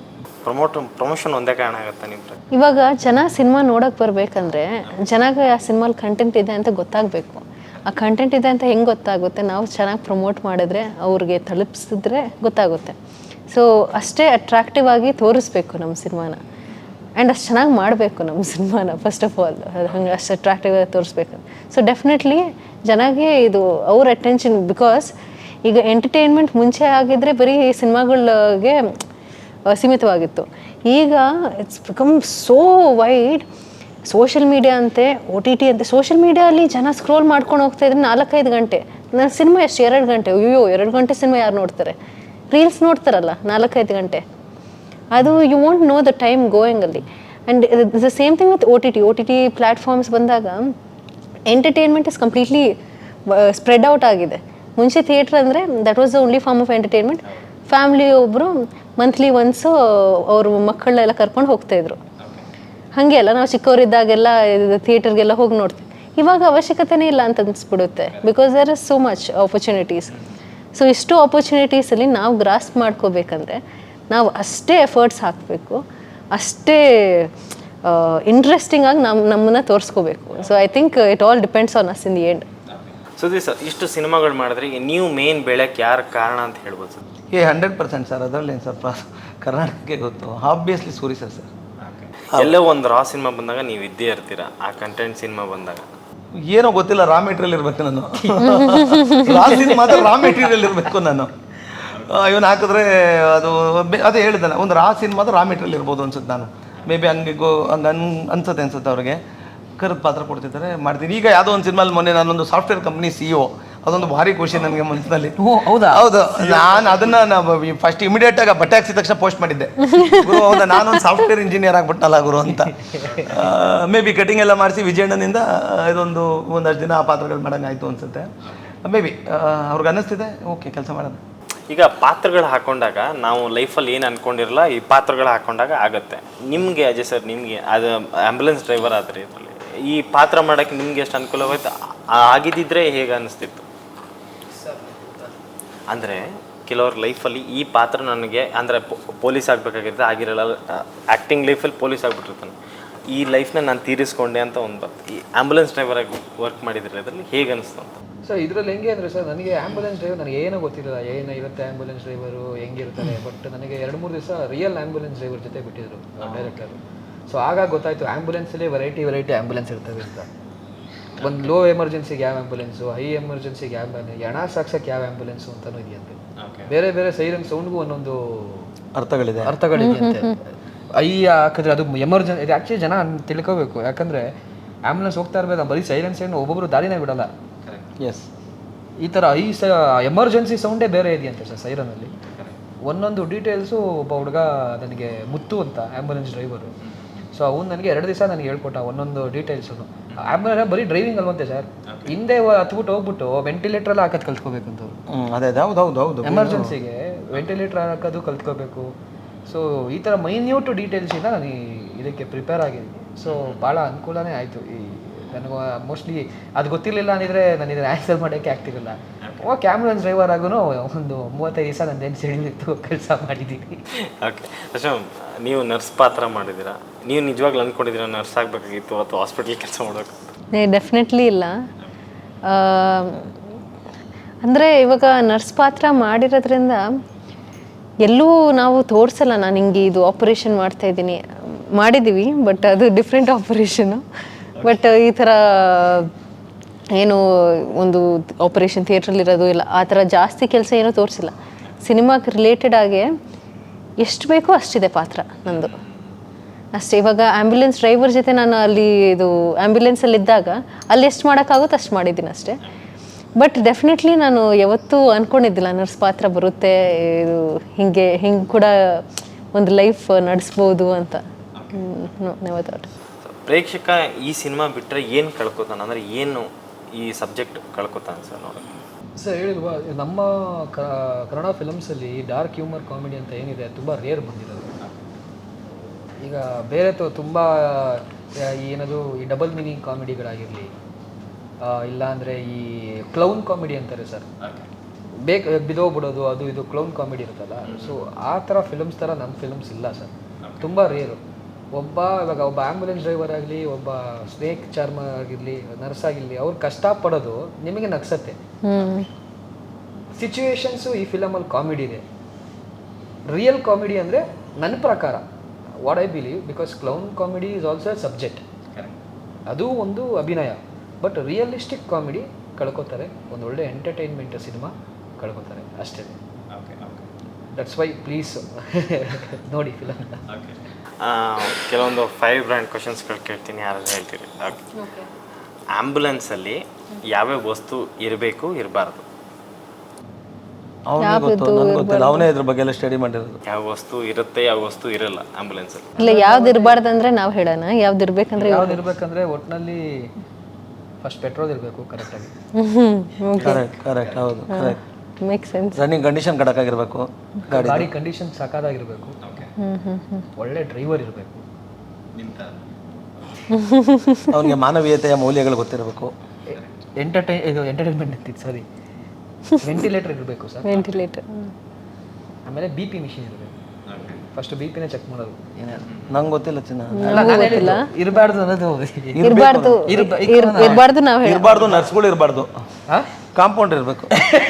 Speaker 1: ಪ್ರಮೋಷನ್ ಒಂದೇ ಕಾರಣ ಆಗುತ್ತೆ ನಿಮ್ಮ?
Speaker 2: ಇವಾಗ ಜನ ಸಿನಿಮಾ ನೋಡೋಕೆ ಬರಬೇಕಂದ್ರೆ ಜನಗೆ ಆ ಸಿನಿಮಾಲಿ ಕಂಟೆಂಟ್ ಇದೆ ಅಂತ ಗೊತ್ತಾಗಬೇಕು. ಆ ಕಂಟೆಂಟ್ ಇದೆ ಅಂತ ಹೆಂಗೆ ಗೊತ್ತಾಗುತ್ತೆ? ನಾವು ಚೆನ್ನಾಗಿ ಪ್ರಮೋಟ್ ಮಾಡಿದ್ರೆ, ಅವ್ರಿಗೆ ತಲುಪಿಸಿದ್ರೆ ಗೊತ್ತಾಗುತ್ತೆ. ಸೊ ಅಷ್ಟೇ ಅಟ್ರಾಕ್ಟಿವ್ ಆಗಿ ತೋರಿಸ್ಬೇಕು ನಮ್ಮ ಸಿನಿಮಾನ, ಆ್ಯಂಡ್ ಅಷ್ಟು ಚೆನ್ನಾಗಿ ಮಾಡಬೇಕು ನಮ್ಮ ಸಿನಿಮಾನ. ಫಸ್ಟ್ ಆಫ್ ಆಲ್ ಹಂಗೆ ಅಷ್ಟು ಅಟ್ರಾಕ್ಟಿವ್ ಆಗಿ ತೋರಿಸ್ಬೇಕು. ಸೊ ಡೆಫಿನೆಟ್ಲಿ ಜನಗೆ ಇದು ಅವ್ರ ಅಟೆನ್ಷನ್, ಬಿಕಾಸ್ ಈಗ ಎಂಟರ್ಟೈನ್ಮೆಂಟ್ ಮುಂಚೆ ಆಗಿದ್ದರೆ ಬರೀ ಸಿನಿಮಾಗಳಿಗೆ ಸೀಮಿತವಾಗಿತ್ತು. ಈಗ it's become so wide. Social media ಅಂತೆ, OTT ಅಂತೆ. ಸೋಷಿಯಲ್ ಮೀಡಿಯಲ್ಲಿ ಜನ ಸ್ಕ್ರೋಲ್ ಮಾಡ್ಕೊಂಡು ಹೋಗ್ತಾ ಇದ್ರೆ 4-5 ಗಂಟೆ. ನನ್ನ ಸಿನಿಮಾ ಎಷ್ಟು 2 ಗಂಟೆ? ಅಯ್ಯೋ 2 ಗಂಟೆ ಸಿನಿಮಾ ಯಾರು ನೋಡ್ತಾರೆ? ರೀಲ್ಸ್ ನೋಡ್ತಾರಲ್ಲ 4-5 ಗಂಟೆ. ಅದು you want know the time going ಅಲ್ಲಿ. And the same thing with OTT platforms ಬಂದಾಗ entertainment is completely spread out ಆಗಿದೆ. ಮುಂಚೆ ಥಿಯೇಟ್ರ್ ಅಂದರೆ that was the only form of entertainment. Family ಒಬ್ಬರು ಮಂತ್ಲಿ ಒನ್ಸು ಅವ್ರ ಮಕ್ಕಳನ್ನೆಲ್ಲ ಕರ್ಕೊಂಡು ಹೋಗ್ತಾಯಿದ್ರು. ಹಾಗೆ ಅಲ್ಲ, ನಾವು ಚಿಕ್ಕವರಿದ್ದಾಗೆಲ್ಲ ಥಿಯೇಟರ್ಗೆಲ್ಲ ಹೋಗಿ ನೋಡ್ತೀವಿ. ಇವಾಗ ಅವಶ್ಯಕತೆನೇ ಇಲ್ಲ ಅಂತ ಅನಿಸ್ಬಿಡುತ್ತೆ, because there is so much opportunities. So ಇಷ್ಟು ಆಪರ್ಚುನಿಟೀಸಲ್ಲಿ ನಾವು ಗ್ರಾಸ್ಪ್ ಮಾಡ್ಕೋಬೇಕಂದ್ರೆ ನಾವು ಅಷ್ಟೇ ಎಫರ್ಟ್ಸ್ ಹಾಕಬೇಕು, ಅಷ್ಟೇ ಇಂಟ್ರೆಸ್ಟಿಂಗ್ ಆಗಿ ನಮ್ಮನ್ನು ತೋರಿಸ್ಕೋಬೇಕು. So I think it all depends on us in the end.
Speaker 1: Sudeep sir, ಇಷ್ಟು ಸಿನಿಮಾಗಳು ಮಾಡಿದ್ರೆ ನೀವು ಮೇನ್ ಬೆಳೆಯೋಕ್ಕೆ ಯಾರು ಕಾರಣ ಅಂತ ಹೇಳ್ಬೋದು ಸರ್?
Speaker 4: 100% ಸರ್. ಅದರಲ್ಲಿ ಏನು ಸರ್ ಕರ್ನಾಟಕಕ್ಕೆ ಗೊತ್ತು, ಆಬ್ವಿಯಸ್ಲಿ ಸೂರಿ ಸರ್.
Speaker 1: ಎಲ್ಲೋ ಒಂದು ರಾ ಸಿನಿಮಾ ಬಂದಾಗ ನೀವು ಇದ್ದೇ ಇರ್ತೀರಾ, ಆ ಕಂಟೆಂಟ್ ಸಿನಿಮಾ ಬಂದಾಗ
Speaker 4: ಏನೋ ಗೊತ್ತಿಲ್ಲ, ರಾ ಮೆಟೀರಿಯಲ್ ಇರಬೇಕು ನಾನು. ರಾ ಸಿನಿಮಾ ರಾ ಮೆಟೀರಿಯಲ್ ಇರಬೇಕು ನಾನು. ಇವನು ಹಾಕಿದ್ರೆ ಅದು ಅದೇ ಹೇಳಿದ್ದಾನೆ, ಒಂದು ರಾ ಸಿನಿಮಾದ ರಾ ಮೆಟೀರಿಯಲ್ ಇರ್ಬೋದು ಅನ್ಸುತ್ತೆ. ನಾನು ಮೇ ಬಿ ಹಂಗೆ ಅನ್ಸುತ್ತೆ ಅವ್ರಿಗೆ ಕರೆದು ಪಾತ್ರ ಕೊಡ್ತಿದ್ದಾರೆ, ಮಾಡ್ತೀನಿ. ಈಗ ಯಾವುದೋ ಒಂದು ಸಿನಿಮಾಲಿ ಮೊನ್ನೆ ನಾನೊಂದು ಸಾಫ್ಟ್ವೇರ್ ಕಂಪ್ನಿ CEO, ಅದೊಂದು ಭಾರಿ ಖುಷಿ ನನಗೆ ಮನಸ್ಸಿನಲ್ಲಿ.
Speaker 3: ಹೌದಾ?
Speaker 4: ಹೌದು. ನಾನು ಅದನ್ನು ಫಸ್ಟ್ ಇಮಿಡಿಯೇಟಾಗಿ ಬಟ್ಟೆ ಹಾಕ್ಸಿದ ತಕ್ಷಣ ಪೋಸ್ಟ್ ಮಾಡಿದ್ದೆ, ಗುರು ಹೌದಾ ನಾನೊಂದು ಸಾಫ್ಟ್ವೇರ್ ಇಂಜಿನಿಯರ್ ಆಗ್ಬಿಟ್ಟನಲ್ಲ ಗುರು ಅಂತ. ಮೇ ಬಿ ಕಟಿಂಗ್ ಎಲ್ಲ ಮಾಡಿಸಿ ವಿಜಯಣ್ಣನಿಂದ ಒಂದಷ್ಟು ದಿನ ಆ ಪಾತ್ರಗಳು ಮಾಡೋಂಗಾಯ್ತು ಅನಿಸುತ್ತೆ. ಮೇ ಬಿ ಅವ್ರಿಗೆ ಅನ್ನಿಸ್ತಿದೆ ಓಕೆ ಕೆಲಸ ಮಾಡೋಣ.
Speaker 1: ಈಗ ಪಾತ್ರಗಳು ಹಾಕೊಂಡಾಗ ನಾವು ಲೈಫಲ್ಲಿ ಏನು ಅಂದ್ಕೊಂಡಿರಲ್ಲ, ಈ ಪಾತ್ರಗಳು ಹಾಕೊಂಡಾಗ ಆಗುತ್ತೆ. ನಿಮಗೆ ಅಜಯ್ ಸರ್, ನಿಮಗೆ ಅದು ಆ್ಯಂಬುಲೆನ್ಸ್ ಡ್ರೈವರ್ ಆದರೆ ಇದರಲ್ಲಿ ಈ ಪಾತ್ರ ಮಾಡೋಕ್ಕೆ ನಿಮ್ಗೆ ಎಷ್ಟು ಅನುಕೂಲವಾಯ್ತು? ಆಗಿದ್ದಿದ್ರೆ ಹೇಗೆ ಅನ್ನಿಸ್ತಿತ್ತು? ಅಂದರೆ ಕೆಲವ್ರ ಲೈಫಲ್ಲಿ ಈ ಪಾತ್ರ ನನಗೆ ಅಂದರೆ ಪೊಲೀಸ್ ಆಗಬೇಕಾಗಿರುತ್ತೆ, ಆಗಿರಲ್ಲ. ಆ್ಯಕ್ಟಿಂಗ್ ಲೈಫಲ್ಲಿ ಪೊಲೀಸ್ ಆಗಿಬಿಟ್ಟಿರ್ತಾನೆ, ಈ ಲೈಫ್ನ ನಾನು ತೀರಿಸ್ಕೊಂಡೆ ಅಂತ ಒಂದು ಈ ಆ್ಯಂಬುಲೆನ್ಸ್ ಡ್ರೈವರಾಗಿ ವರ್ಕ್ ಮಾಡಿದ್ರೆ ಅದರಲ್ಲಿ ಹೇಗೆ ಅನಿಸ್ತು ಅಂತ?
Speaker 3: ಸರ್ ಇದರಲ್ಲಿ ಹೆಂಗೆ ಅಂದರೆ ಸರ್, ನನಗೆ ಆ್ಯಂಬುಲೆನ್ಸ್ ಡ್ರೈವರ್ ನನಗೆ ಏನೂ ಗೊತ್ತಿರಲಿಲ್ಲ, ಏನಿರುತ್ತೆ ಆ್ಯಂಬುಲೆನ್ಸ್ ಡ್ರೈವರು ಹೆಂಗಿರ್ತಾರೆ. ಬಟ್ ನನಗೆ 2-3 ದಿವಸ ರಿಯಲ್ ಆ್ಯಂಬುಲೆನ್ಸ್ ಡ್ರೈವರ್ ಜೊತೆ ಬಿಟ್ಟಿದ್ರು ಡೈರೆಕ್ಟರು. ಸೊ ಆಗ ಗೊತ್ತಾಯಿತು ಆ್ಯಂಬುಲೆನ್ಸಲ್ಲಿ ವೆರೈಟಿ ಆ್ಯಂಬುಲೆನ್ಸ್ ಇರ್ತವೆ ಅಂತ. ಒಂದು ಲೋ ಎಮರ್ಜೆನ್ಸಿಗೆ ಯಾವ ಆ್ಯಂಬುಲೆನ್ಸು, ಹೈ ಎಮರ್ಜೆನ್ಸಿಗೆ ಯಾವ ಆ್ಯಂಬುಲೆನ್ಸ್, ಹೆಣ ಸಾಕ್ಸೋಕ್ಕೆ ಯಾವ ಆ್ಯಂಬುಲೆನ್ಸು ಅಂತಲೂ ಇದೆಯಂತೆ. ಬೇರೆ ಸೈರನ್ ಸೌಂಡ್ಗೂ ಒಂದೊಂದು ಅರ್ಥಗಳಿದೆ ಅಂತೆ. ಹಾಕಿದ್ರೆ ಅದು ಎಮರ್ಜೆನ್ಸಿ. ಇದು ಆ್ಯಕ್ಚುಲಿ ಜನ ತಿಳ್ಕೋಬೇಕು, ಯಾಕಂದರೆ ಆ್ಯಂಬುಲೆನ್ಸ್ ಹೋಗ್ತಾ ಇರಬೇಕು, ಬರೀ ಸೈರನ್ ಸೌಂಡ್ ಒಬ್ಬೊಬ್ಬರು ದಾರಿನೇ ಬಿಡಲ್ಲ. ಎಸ್, ಈ ಥರ ಎಮರ್ಜೆನ್ಸಿ ಸೌಂಡೇ ಬೇರೆ ಇದೆಯಂತೆ ಸರ್ ಸೈರನಲ್ಲಿ. ಒಂದೊಂದು ಡೀಟೇಲ್ಸು ಒಬ್ಬ ಹುಡುಗ ನನಗೆ ಮುತ್ತು ಅಂತ ಆ್ಯಂಬುಲೆನ್ಸ್ ಡ್ರೈವರು. ಸೊ ಅವ್ನು ನನಗೆ 2 ದಿವಸ ನನಗೆ ಹೇಳ್ಕೊಟ್ಟ ಒಂದೊಂದು ಡೀಟೇಲ್ಸು. ಆ್ಯಂಬುಲೆನ್ಸ್ ಬರೀ ಡ್ರೈವಿಂಗ್ ಅಲ್ವಂತೆ ಸರ್, ಹಿಂದೆ ಹತ್ಬಿಟ್ಟು ಹೋಗ್ಬಿಟ್ಟು ವೆಂಟಿಲೇಟ್ರೆಲ್ಲ ಹಾಕೋದು ಕಲ್ತ್ಕೋಬೇಕಂತ.
Speaker 4: ಅದೇ ಹೌದು,
Speaker 3: ಎಮರ್ಜೆನ್ಸಿಗೆ ವೆಂಟಿಲೇಟರ್ ಹಾಕೋದು ಕಲ್ತ್ಕೋಬೇಕು. ಸೊ ಈ ಥರ ಮೈನ್ಯೂಟ್ ಡೀಟೇಲ್ಸಿಂದ ನಾನು ಇದಕ್ಕೆ ಪ್ರಿಪೇರ್ ಆಗಿದ್ದೀನಿ. ಸೊ ಭಾಳ ಅನುಕೂಲನೇ ಆಯಿತು. ನನಗೆ ಮೋಸ್ಟ್ಲಿ ಅದು ಗೊತ್ತಿರಲಿಲ್ಲ ಅಂದಿದ್ರೆ ನಾನು ಇದನ್ನು ಆನ್ಸರ್ ಮಾಡೋಕ್ಕೆ ಆಗ್ತಿರಲಿಲ್ಲ. ಓಕೆ, ಆ್ಯಂಬುಲೆನ್ಸ್ ಡ್ರೈವರ್ ಆಗೂ ಒಂದು 35 ದಿವಸ ನಂದೇನು ಸಿಡಿಲಿತ್ತು ಕೆಲಸ ಮಾಡಿದ್ದೀನಿ.
Speaker 1: ಓಕೆ ಅಶೋಕ್, ನೀವು ನರ್ಸ್ ಪಾತ್ರ ಮಾಡಿದ್ದೀರಾ, ನೀವು ನಿಜವಾಗ್ಲೂ ಅಂದ್ಕೊಂಡಿದ್ದೀರಾ ನರ್ಸ್ ಆಗಬೇಕಾಗಿತ್ತು ಅಥವಾ ಹಾಸ್ಪಿಟ್ಲ್ ಕೆಲಸ ಮಾಡಬೇಕು?
Speaker 2: ಡೆಫಿನೆಟ್ಲಿ ಇಲ್ಲ. ಅಂದರೆ ಇವಾಗ ನರ್ಸ್ ಪಾತ್ರ ಮಾಡಿರೋದ್ರಿಂದ ಎಲ್ಲೂ ನಾವು ತೋರಿಸಲ್ಲ ನಾನು ಹಿಂಗೆ ಇದು ಆಪರೇಷನ್ ಮಾಡ್ತಾಯಿದ್ದೀನಿ. ಮಾಡಿದ್ದೀವಿ, ಬಟ್ ಅದು ಡಿಫ್ರೆಂಟ್ ಆಪರೇಷನು. ಬಟ್ ಈ ಥರ ಏನು ಒಂದು ಆಪರೇಷನ್ ಥಿಯೇಟ್ರಲ್ಲಿರೋದು ಇಲ್ಲ, ಆ ಥರ ಜಾಸ್ತಿ ಕೆಲಸ ಏನೂ ತೋರಿಸಿಲ್ಲ. ಸಿನಿಮಾಗೆ ರಿಲೇಟೆಡ್ ಆಗಿ ಎಷ್ಟು ಬೇಕೋ ಅಷ್ಟಿದೆ ಪಾತ್ರ ನಂದು ಅಷ್ಟೇ. ಇವಾಗ ಆ್ಯಂಬುಲೆನ್ಸ್ ಡ್ರೈವರ್ ಜೊತೆ ನಾನು ಅಲ್ಲಿ ಇದು ಆ್ಯಂಬುಲೆನ್ಸಲ್ಲಿದ್ದಾಗ ಅಲ್ಲಿ ಎಷ್ಟು ಮಾಡೋಕ್ಕಾಗುತ್ತೆ ಅಷ್ಟು ಮಾಡಿದ್ದೀನಿ ಅಷ್ಟೇ. ಬಟ್ ಡೆಫಿನೆಟ್ಲಿ ನಾನು ಯಾವತ್ತೂ ಅಂದ್ಕೊಂಡಿದ್ದಿಲ್ಲ ನರ್ಸ್ ಪಾತ್ರ ಬರುತ್ತೆ, ಇದು ಹಿಂಗೆ ಕೂಡ ಒಂದು ಲೈಫ್ ನಡೆಸ್ಬೋದು ಅಂತ.
Speaker 1: ಪ್ರೇಕ್ಷಕ ಈ ಸಿನಿಮಾ ಬಿಟ್ಟರೆ ಏನು ಕಳ್ಕೊತಾನೆ, ಅಂದರೆ ಏನು ಈ ಸಬ್ಜೆಕ್ಟ್ ಕಳ್ಕೊತಾನೆ ಸರ್ ನೋಡಿ?
Speaker 3: ಸರ್ ಹೇಳಿಲ್ವಾ, ನಮ್ಮ ಕನ್ನಡ ಫಿಲಮ್ಸಲ್ಲಿ ಡಾರ್ಕ್ ಹ್ಯೂಮರ್ ಕಾಮಿಡಿ ಅಂತ ಏನಿದೆ ತುಂಬ ರೇರ್ ಬಂದಿರೋದು. ಈಗ ಬೇರೆ ತುಂಬ ಏನದು ಈ ಡಬಲ್ ಮೀನಿಂಗ್ ಕಾಮಿಡಿಗಳಾಗಿರಲಿ, ಇಲ್ಲಾಂದರೆ ಈ ಕ್ಲೌನ್ ಕಾಮಿಡಿ ಅಂತಾರೆ ಸರ್, ಬಿದೋಗ್ಬಿಡೋದು ಅದು ಇದು ಕ್ಲೌನ್ ಕಾಮಿಡಿ ಇರುತ್ತಲ್ಲ. ಸೊ ಆ ಥರ ಫಿಲಮ್ಸ್ ಥರ ನಮ್ಮ ಫಿಲಮ್ಸ್ ಇಲ್ಲ ಸರ್. ತುಂಬ ರೇರು. ಇವಾಗ ಒಬ್ಬ ಆ್ಯಂಬುಲೆನ್ಸ್ ಡ್ರೈವರ್ ಆಗಲಿ, ಒಬ್ಬ ಸ್ನೇಕ್ ಚಾರ್ಮರ್ ಆಗಿರಲಿ, ನರ್ಸ್ ಆಗಿರಲಿ, ಅವ್ರು ಕಷ್ಟಪಡೋದು ನಿಮಗೆ ನಗ್ಸತ್ತೆ. ಸಿಚುವೇಶನ್ಸು ಈ ಫಿಲಮಲ್ಲಿ ಕಾಮಿಡಿ ಇದೆ. ರಿಯಲ್ ಕಾಮಿಡಿ ಅಂದರೆ ನನ್ನ ಪ್ರಕಾರ what I believe, because clown comedy is also a subject, ಅದು ಒಂದು ಅಭಿನಯ. ಬಟ್ ರಿಯಲಿಸ್ಟಿಕ್ ಕಾಮಿಡಿ ಕಳ್ಕೊತಾರೆ, ಒಂದು ಒಳ್ಳೆ ಎಂಟರ್ಟೈನ್ಮೆಂಟ್ ಸಿನಿಮಾ ಕಳ್ಕೊತಾರೆ ಅಷ್ಟೇ. ದಟ್ಸ್ ವೈ ಪ್ಲೀಸ್ ನೋಡಿ ಫಿಲಮ್.
Speaker 1: ಕೆಲವೊಂದು 5 ಬ್ರ್ಯಾಂಡ್ ಕ್ವಶನ್ಸ್ಗಳು ಕೇಳ್ತೀನಿ, ಯಾರಾದ್ರೂ ಹೇಳ್ತೀರಿ? ಆ್ಯಂಬುಲೆನ್ಸಲ್ಲಿ ಯಾವ್ಯಾವ ವಸ್ತು ಇರಬೇಕು ಇರಬಾರ್ದು?
Speaker 4: ಅವನಿಗೆ ಗೊತ್ತು, ನನಗೆ ಗೊತ್ತಿಲ್ಲ. ಅವನೇ ಇದ್ರ ಬಗ್ಗೆ ಎಲ್ಲ ಸ್ಟಡಿ ಮಾಡಿರೋದು.
Speaker 1: ಯಾವ ವಸ್ತು ಇರುತ್ತೆ, ಯಾವ ವಸ್ತು ಇರಲ್ಲ ಆ್ಯಂಬುಲೆನ್ಸಲ್ಲಿ?
Speaker 2: ಇಲ್ಲ, ಯಾವ್ದು ಇರಬಾರ್ದಂದ್ರೆ ನಾವು ಹೇಳೋಣ. ಯಾವ್ದು ಇರ್ಬೇಕಂದ್ರೆ
Speaker 3: ಇರ್ಬೇಕಂದ್ರೆ ಒಟ್ಟಿನಲ್ಲಿ ಫಸ್ಟ್ ಪೆಟ್ರೋಲ್ ಇರಬೇಕು ಕರೆಕ್ಟಾಗಿ.
Speaker 4: ಕರೆಕ್ಟ್ ಹೌದು, correct.
Speaker 2: Make sense.
Speaker 4: Running condition ಕಡಕಾಗಿರ್ಬೇಕು,
Speaker 3: ಗಾಡಿ ಕಂಡೀಷನ್ ಸಾಕಾಗಿರ್ಬೇಕು, ಒಳ್ಳೆ ಡ್ರೈವರ್ ಇರಬೇಕು,
Speaker 4: ಅವನಿಗೆ ಮಾನವೀಯತೆಯ ಮೌಲ್ಯಗಳು ಗೊತ್ತಿರಬೇಕು,
Speaker 3: ಎಂಟರ್ಟೈನ್ಮೆಂಟ್ ಅಂತಿತ್ತು ಸಾರಿ, ವೆಂಟಿಲೇಟರ್ ಇರಬೇಕು ಸರ್.
Speaker 2: ವೆಂಟಿಲೇಟರ್.
Speaker 3: ಆಮೇಲೆ BP ಮಿಷಿನ್ ಇರಬೇಕು. ಫಸ್ಟ್ BP ನೇ ಚೆಕ್ ಮಾಡೋದು.
Speaker 4: ನಂಗೆ ಗೊತ್ತಿಲ್ಲ ಚಿನ್ನ.
Speaker 3: ಇರಬಾರ್ದು ಅನ್ನೋದು
Speaker 2: ಇರಬಾರ್ದು ನಾವು ಹೇಳಿ.
Speaker 4: ಇರಬಾರ್ದು, ನರ್ಸ್ಗಳು ಇರಬಾರ್ದು, ಕಾಂಪೌಂಡ್ ಇರಬೇಕು.